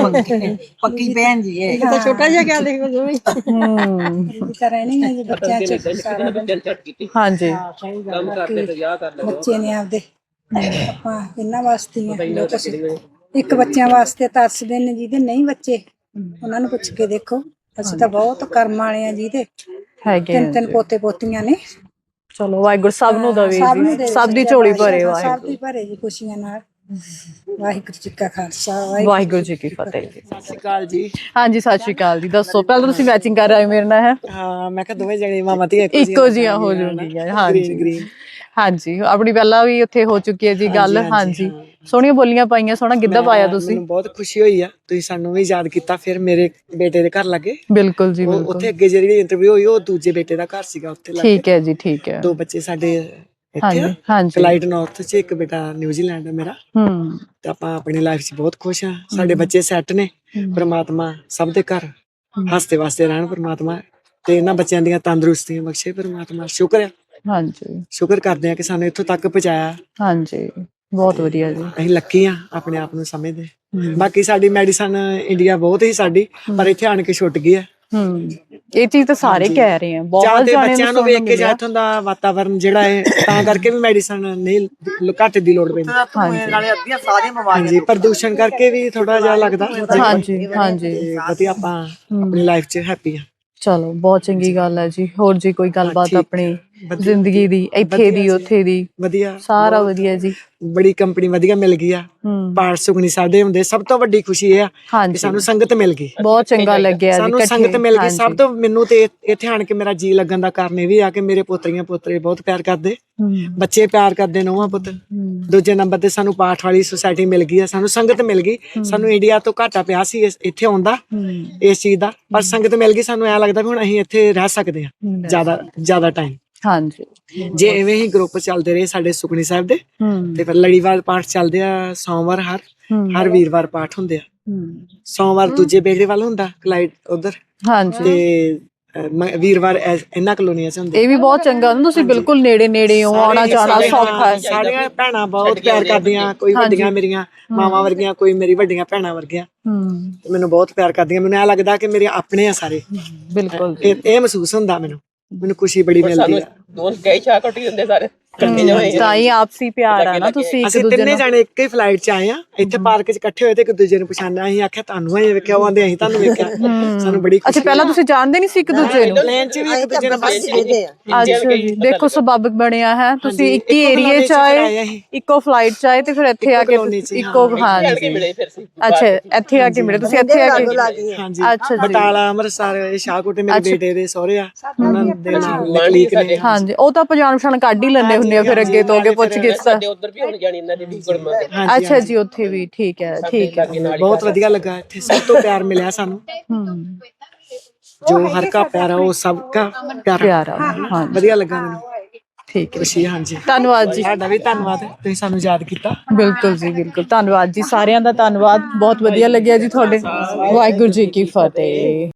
S9: ਪੱਕੀ ਭੈਣ ਜੀ ਹੈ।
S3: ਤਾਂ ਛੋਟਾ ਜਿਹਾ ਕਹਿ ਦੇਖੋ ਜੋ ਵੀ ਬਿਜੀ ਤਾਂ ਰਹਿਣਾ ਹੀ ਹੈ ਜੀ ਬੱਚਿਆਂ ਚ ਸਾਰਾ ਦਿਨ।
S1: ਹਾਂਜੀ,
S5: ਕੰਮ ਕਰਦੇ ਤੇ ਵਿਆਹ ਕਰ ਲੈਂਦੇ।
S3: ਬੱਚੇ ਨੇ ਆਪਦੇ, ਆਪਾਂ ਇਹਨਾਂ ਵਾਸਤੇ ਹੀ ਆ ਜੋ ਕੁਛ। ਇੱਕ ਬੱਚਿਆਂ ਵਾਸਤੇ ਤਰਸਦੇ ਨੇ, ਜਿਹਦੇ ਨਹੀਂ ਬੱਚੇ ਉਹਨਾਂ ਨੂੰ ਪੁੱਛ ਕੇ ਦੇਖੋ। ਅਸੀਂ ਤਾਂ ਬਹੁਤ ਕਰਮ ਵਾਲੇ ਆ ਜਿਹਦੇ
S1: ਹੈਗੇ
S3: 3 ਪੋਤੇ ਪੋਤੀਆਂ ਨੇ।
S1: ਚਲੋ ਵਾਹਿਗੁਰੂ ਸਭ ਨੂੰ ਦਵੇ ਜੀ, ਸਭ ਦੀ ਝੋਲੀ ਭਰੇ ਵਾਹਿਗੁਰੂ।
S3: ਸਭ ਦੀ ਭਰੇ ਜੀ ਖੁਸ਼ੀਆਂ ਨਾਲ। ਵਾਹਿਗੁਰੂ ਜੀ ਕਾ ਖਾਲਸਾ,
S1: ਵਾਹਿਗੁਰੂ ਜੀ ਕੀ ਫਤਿਹ ਜੀ।
S2: ਸਤਿ ਸ਼੍ਰੀ ਅਕਾਲ ਜੀ।
S1: ਹਾਂਜੀ, ਸਤਿ ਸ਼੍ਰੀ ਅਕਾਲ ਜੀ। ਦੱਸੋ, ਪਹਿਲਾਂ ਤੁਸੀਂ ਮੈਚਿੰਗ ਕਰ ਰਹੇ ਮੇਰੇ ਨਾਲ? ਹੈ
S2: ਹਾਂ, ਮੈਂ ਕਿਹਾ ਦੋਵੇਂ ਜਣੇ ਮਾਮਾ ਧੀ
S1: ਇੱਕੋ ਜਿਹੀਆਂ ਹੋ ਜੂਗੀਆਂ। ਹਾਂਜੀ ਹਾਂਜੀ, ਆਪਣੀ ਪਹਿਲਾਂ ਵੀ ਉੱਥੇ ਹੋ ਚੁੱਕੀ ਹੈ ਜੀ ਗੱਲ। ਹਾਂਜੀ, ਸੋਹਣੀਆਂ ਬੋਲੀਆਂ ਪਾਈਆਂ, ਸੋਹਣਾ ਗਿੱਧਾ ਪਾਇਆ ਤੁਸੀਂ।
S2: ਮੈਨੂੰ ਬਹੁਤ ਖੁਸ਼ੀ ਹੋਈ ਆ, ਤੁਸੀਂ ਸਾਨੂੰ ਵੀ ਯਾਦ ਕੀਤਾ। ਫਿਰ ਮੇਰੇ ਬੇਟੇ ਦੇ ਘਰ ਲੱਗੇ।
S1: ਬਿਲਕੁਲ ਜੀ, ਬਿਲਕੁਲ।
S2: ਉੱਥੇ ਅੱਗੇ ਜਿਹੜੀ ਇੰਟਰਵਿਊ ਹੋਈ ਉਹ ਦੂਜੇ ਬੇਟੇ ਦਾ ਘਰ ਸੀਗਾ, ਉੱਥੇ ਲੱਗੇ।
S1: ਠੀਕ ਹੈ ਜੀ, ਠੀਕ ਹੈ।
S2: 2 ਬੱਚੇ ਸਾਡੇ ਇੱਥੇ ਆ,
S1: ਹਾਂਜੀ,
S2: ਫਲਾਈਟ ਨਾਰਥ ਚ, ਇੱਕ ਬੇਟਾ ਨਿਊਜ਼ੀਲੈਂਡ ਹੈ ਮੇਰਾ। ਤੇ ਆਪਾਂ ਆਪਣੀ ਲਾਈਫ 'ਚ ਬਹੁਤ ਖੁਸ਼ ਆ। ਸਾਡੇ ਬੱਚੇ ਸੈੱਟ ਨੇ। ਪ੍ਰਮਾਤਮਾ ਸਭ ਦੇ ਘਰ ਹੱਸਦੇ ਵਸਦੇ ਰਹਿਣ ਪ੍ਰਮਾਤਮਾ, ਤੇ ਇਹਨਾਂ ਬੱਚਿਆਂ ਦੀਆਂ ਤੰਦਰੁਸਤੀਆਂ ਬਖਸ਼ੇ ਪ੍ਰਮਾਤਮਾ। ਸ਼ੁਕਰ ਹੈ,
S1: ਹਾਂਜੀ,
S2: ਸ਼ੁਕਰ ਕਰਦੇ ਆ ਕਿ ਸਾਨੂੰ ਇੱਥੋਂ ਤੱਕ ਪਹੁੰਚਾਇਆ।
S1: ਹਾਂਜੀ, ਬਹੁਤ ਵਧੀਆ ਜੀ।
S2: ਅਸੀਂ ਲੱਕੀ ਆ, ਆਪਣੇ ਆਪ ਨੂੰ ਸਮਝਦੇ। ਬਾਕੀ ਸਾਡੀ ਮੈਡੀਸਨ ਇੰਡੀਆ ਬਹੁਤ ਹੀ ਸਾਡੀ, ਪਰ ਇੱਥੇ ਆਣ ਕੇ ਛੁੱਟ ਗਈ ਆ।
S1: ਇਹ ਚੀਜ਼ ਤਾਂ ਸਾਰੇ ਕਹਿ ਰਹੇ ਆ, ਬਹੁਤ
S2: ਜਾਣੇ ਬੱਚਿਆਂ ਨੂੰ ਵੇਖ ਕੇ ਜਾਂ ਇੱਥੋਂ ਦਾ ਵਾਤਾਵਰਨ ਜਿਹੜਾ ਹੈ, ਤਾਂ ਕਰਕੇ ਵੀ ਮੈਡੀਸਨ ਨਹੀਂ ਘੱਟ ਦੀ ਲੋੜ ਪੈਂਦੀ।
S1: ਨਾਲੇ
S2: ਅੱਧੀਆਂ ਸਾਰੀਆਂ ਬਿਮਾਰੀਆਂ, ਹਾਂਜੀ, ਪ੍ਰਦੂਸ਼ਣ ਕਰਕੇ ਵੀ ਥੋੜਾ ਜਿਹਾ ਲੱਗਦਾ।
S1: ਹਾਂਜੀ, ਹਾਂਜੀ,
S2: ਵਧੀਆ। ਆਪਾਂ ਆਪਣੀ ਲਾਈਫ 'ਚ ਹੈਪੀ ਆ।
S1: ਚਲੋ, ਬਹੁਤ ਚੰਗੀ ਗੱਲ ਹੈ ਜੀ। ਹੋਰ ਜੀ ਕੋਈ ਗੱਲਬਾਤ ਆਪਣੀ ਜ਼ਿੰਦਗੀ ਦੀ, ਇੱਥੇ ਦੀ, ਉੱਥੇ ਦੀ?
S2: ਵਧੀਆ,
S1: ਸਾਰਾ ਵਧੀਆ ਜੀ।
S2: ਬੜੀ ਕੰਪਨੀ ਵਧੀਆ ਮਿਲ ਗਈ ਆ। ਪਾਠ ਸੁਖਣੀ ਸਾਡੇ ਹੁੰਦੇ, ਸਭ ਤੋਂ ਵੱਡੀ ਖੁਸ਼ੀ ਇਹ ਆ ਕਿ ਸਾਨੂੰ ਸੰਗਤ ਮਿਲ ਗਈ।
S1: ਬਹੁਤ ਚੰਗਾ ਲੱਗਿਆ ਜੀ,
S2: ਸਾਨੂੰ ਸੰਗਤ ਮਿਲ ਗਈ। ਸਭ ਤੋਂ ਮੈਨੂੰ ਤੇ ਇੱਥੇ ਆਣ ਕੇ ਮੇਰਾ ਜੀ ਲੱਗਣ ਦਾ ਕਾਰਨ ਇਹ ਵੀ ਆ ਕਿ ਮੇਰੇ ਪੋਤਰੀਆਂ ਪੋਤਰੇ ਬਹੁਤ ਪਿਆਰ ਕਰਦੇ, ਬੱਚੇ ਪਿਆਰ ਕਰਦੇ, ਨੂੰਹਾਂ ਪੁੱਤ। ਦੂਜੇ ਨੰਬਰ ਤੇ ਸਾਨੂੰ ਪਾਠ ਵਾਲੀ ਸੁਸਾਇਟੀ ਮਿਲ ਗਈ ਆ, ਸਾਨੂੰ ਸੰਗਤ ਮਿਲ ਗਈ। ਸਾਨੂੰ ਇੰਡੀਆ ਤੋਂ ਘਾਟਾ ਪਿਆ ਸੀ ਇੱਥੇ ਆਉਣ ਦਾ, ਇਸ ਚੀਜ਼ ਦਾ, ਪਰ ਸੰਗਤ ਮਿਲ ਗਈ। ਸਾਨੂੰ ਐ ਲੱਗਦਾ ਵੀ ਹੁਣ ਅਸੀਂ ਇੱਥੇ ਰਹਿ ਸਕਦੇ ਹਾਂ ਜ਼ਿਆਦਾ ਟਾਈਮ। ਹਾਂਜੀ, ਜੇ ਐਵੇਂ ਹੀ ਗਰੁੱਪ ਚੱਲਦੇ ਰਹੇ ਸਾਡੇ ਸੁਖਣੀ ਸਾਹਿਬ ਦੇ, ਤੇ ਫਿਰ ਲੜੀਵਾਰ ਪਾਠ ਚੱਲਦੇ ਆ। ਸੋਮਵਾਰ ਹਰ ਵੀਰਵਾਰ ਪਾਠ ਹੁੰਦੇ ਆ। ਸੋਮਵਾਰ ਦੂਜੇ ਬੇੜੇ ਵੱਲ ਹੁੰਦਾ, ਕਲਾਈਟ ਉਧਰ, ਤੇ ਵੀਰਵਾਰ ਇਹਨਾਂ ਕਲੋਨੀਆਂ 'ਚ ਹੁੰਦੇ। ਇਹ ਵੀ ਬਹੁਤ ਚੰਗਾ, ਤੁਸੀਂ ਬਿਲਕੁਲ ਨੇੜੇ ਹੋ, ਆਉਣਾ ਜਾਣਾ ਸੌਖਾ ਹੈ। ਸਾਡੀਆਂ ਭੈਣਾਂ ਬਹੁਤ ਪਿਆਰ ਕਰਦੀਆਂ, ਕੋਈ ਵੱਡੀਆਂ ਮੇਰੀਆਂ ਮਾਵਾਂ ਵਰਗੀਆਂ, ਕੋਈ ਮੇਰੀ ਵੱਡੀਆਂ ਭੈਣਾਂ ਵਰਗੀਆਂ, ਤੇ ਮੈਨੂੰ ਬਹੁਤ ਪਿਆਰ ਕਰਦੀਆਂ। ਮੈਨੂੰ ਐ ਲੱਗਦਾ ਕਿ ਮੇਰੇ ਆਪਣੇ ਆ ਸਾਰੇ। ਬਿਲਕੁਲ, ਇਹ ਮਹਿਸੂਸ ਹੁੰਦਾ ਮੈਨੂੰ ਖੁਸ਼ੀ ਬੜੀ ਮਿਲਦੀ ਆ।
S5: ਦੋਨ ਗਏ ਚਾਹ ਕੱਟੀ ਹੁੰਦੇ ਸਾਰੇ
S1: ਤਾਂ ਹੀ ਆਪਸੀ ਪਿਆਰ ਆ ਨਾ। ਤੁਸੀਂ
S2: ਅਸੀਂ 3 ਜਾਣੇ ਇੱਕ ਹੀ ਫਲਾਈਟ 'ਚ ਆਏ ਆ, ਇੱਥੇ ਪਾਰਕ 'ਚ ਇਕੱਠੇ ਹੋਏ ਤੇ ਇੱਕ ਦੂਜੇ ਨੂੰ ਪਛਾਣਿਆ। ਅਸੀਂ ਆਖਿਆ ਤੁਹਾਨੂੰ ਇਹ ਵੇਖਿਆ, ਉਹ ਆਂਦੇ ਅਸੀਂ ਤੁਹਾਨੂੰ ਵੇਖਿਆ। ਸਾਨੂੰ ਬੜੀ ਖੁਸ਼ੀ। ਅੱਛਾ, ਪਹਿਲਾਂ ਤੁਸੀਂ ਜਾਣਦੇ ਨਹੀਂ ਸੀ ਇੱਕ ਦੂਜੇ ਨੂੰ? ਪਲੇਨ 'ਚ ਵੀ ਇੱਕ ਦੂਜੇ ਨੂੰ ਬਸ ਦੇਖਦੇ ਆ। ਅੱਛਾ ਜੀ, ਦੇਖੋ ਸਬੱਬ ਬਣਿਆ ਹੈ। ਤੁਸੀਂ ਇੱਕ ਹੀ ਏਰੀਏ 'ਚ ਆਏ, ਇੱਕੋ ਫਲਾਈਟ 'ਚ ਆਏ, ਤੇ ਫਿਰ ਇੱਥੇ ਆ ਕੇ ਇੱਕੋ। ਹਾਂਜੀ, ਅੱਛਾ, ਇੱਥੇ ਆ ਕੇ ਮਿਲੇ ਤੁਸੀਂ? ਇੱਥੇ ਆ ਕੇ, ਹਾਂਜੀ। ਅੱਛਾ, ਬਟਾਲਾ, ਅੰਮ੍ਰਿਤਸਰ, ਸ਼ਾਹਕੋਟ ਮੇਰੇ ਬੇਟੇ ਦੇ ਸਹੁਰੇ ਆ, ਉਹਨਾਂ ਦੇ ਨਾਲ ਲਕਲੀਕ ਨੇ। ਹਾਂਜੀ, ਉਹ ਤਾਂ ਪਛਾਣ ਕੱਢ ਹੀ ਲੈਂਦੇ ਹੁੰਦੇ ਆ ਫਿਰ ਅੱਗੇ ਤੋਂ ਅੱਗੇ ਪੁੱਛ ਗਿੱਛ।
S5: ਉਧਰ ਵੀ ਹੁਣ ਜਾਣੀ ਇਹਨਾਂ ਦੀ ਗੁਰਮਾ।
S1: ਅੱਛਾ ਜੀ, ਉੱਥੇ ਵੀ ਠੀਕ ਹੈ, ਠੀਕ ਹੈ।
S2: ਬਹੁਤ ਵਧੀਆ ਲੱਗਾ ਇੱਥੇ, ਸਭ ਤੋਂ ਪਿਆਰ ਮਿਲਿਆ ਸਾਨੂੰ। ਜੋ ਹਰ ਕਾ ਪਿਆਰਾ ਉਹ ਸਭ ਕਾ ਪਿਆਰਾ। ਹਾਂ, ਵਧੀਆ ਲੱਗਾ ਮੈਨੂੰ। ਠੀਕ ਹੈ, ਖੁਸ਼ੀ। ਹਾਂਜੀ, ਧੰਨਵਾਦ ਜੀ। ਤੁਹਾਡਾ ਵੀ ਧੰਨਵਾਦ, ਤੁਸੀਂ ਸਾਨੂੰ ਯਾਦ ਕੀਤਾ। ਬਿਲਕੁਲ ਜੀ, ਬਿਲਕੁਲ। ਧੰਨਵਾਦ ਜੀ, ਸਾਰਿਆਂ ਦਾ ਧੰਨਵਾਦ। ਬਹੁਤ ਵਧੀਆ ਲੱਗਿਆ ਜੀ ਤੁਹਾਡੇ। ਵਾਹਿਗੁਰੂ ਜੀ ਕੀ ਫਤਿਹ।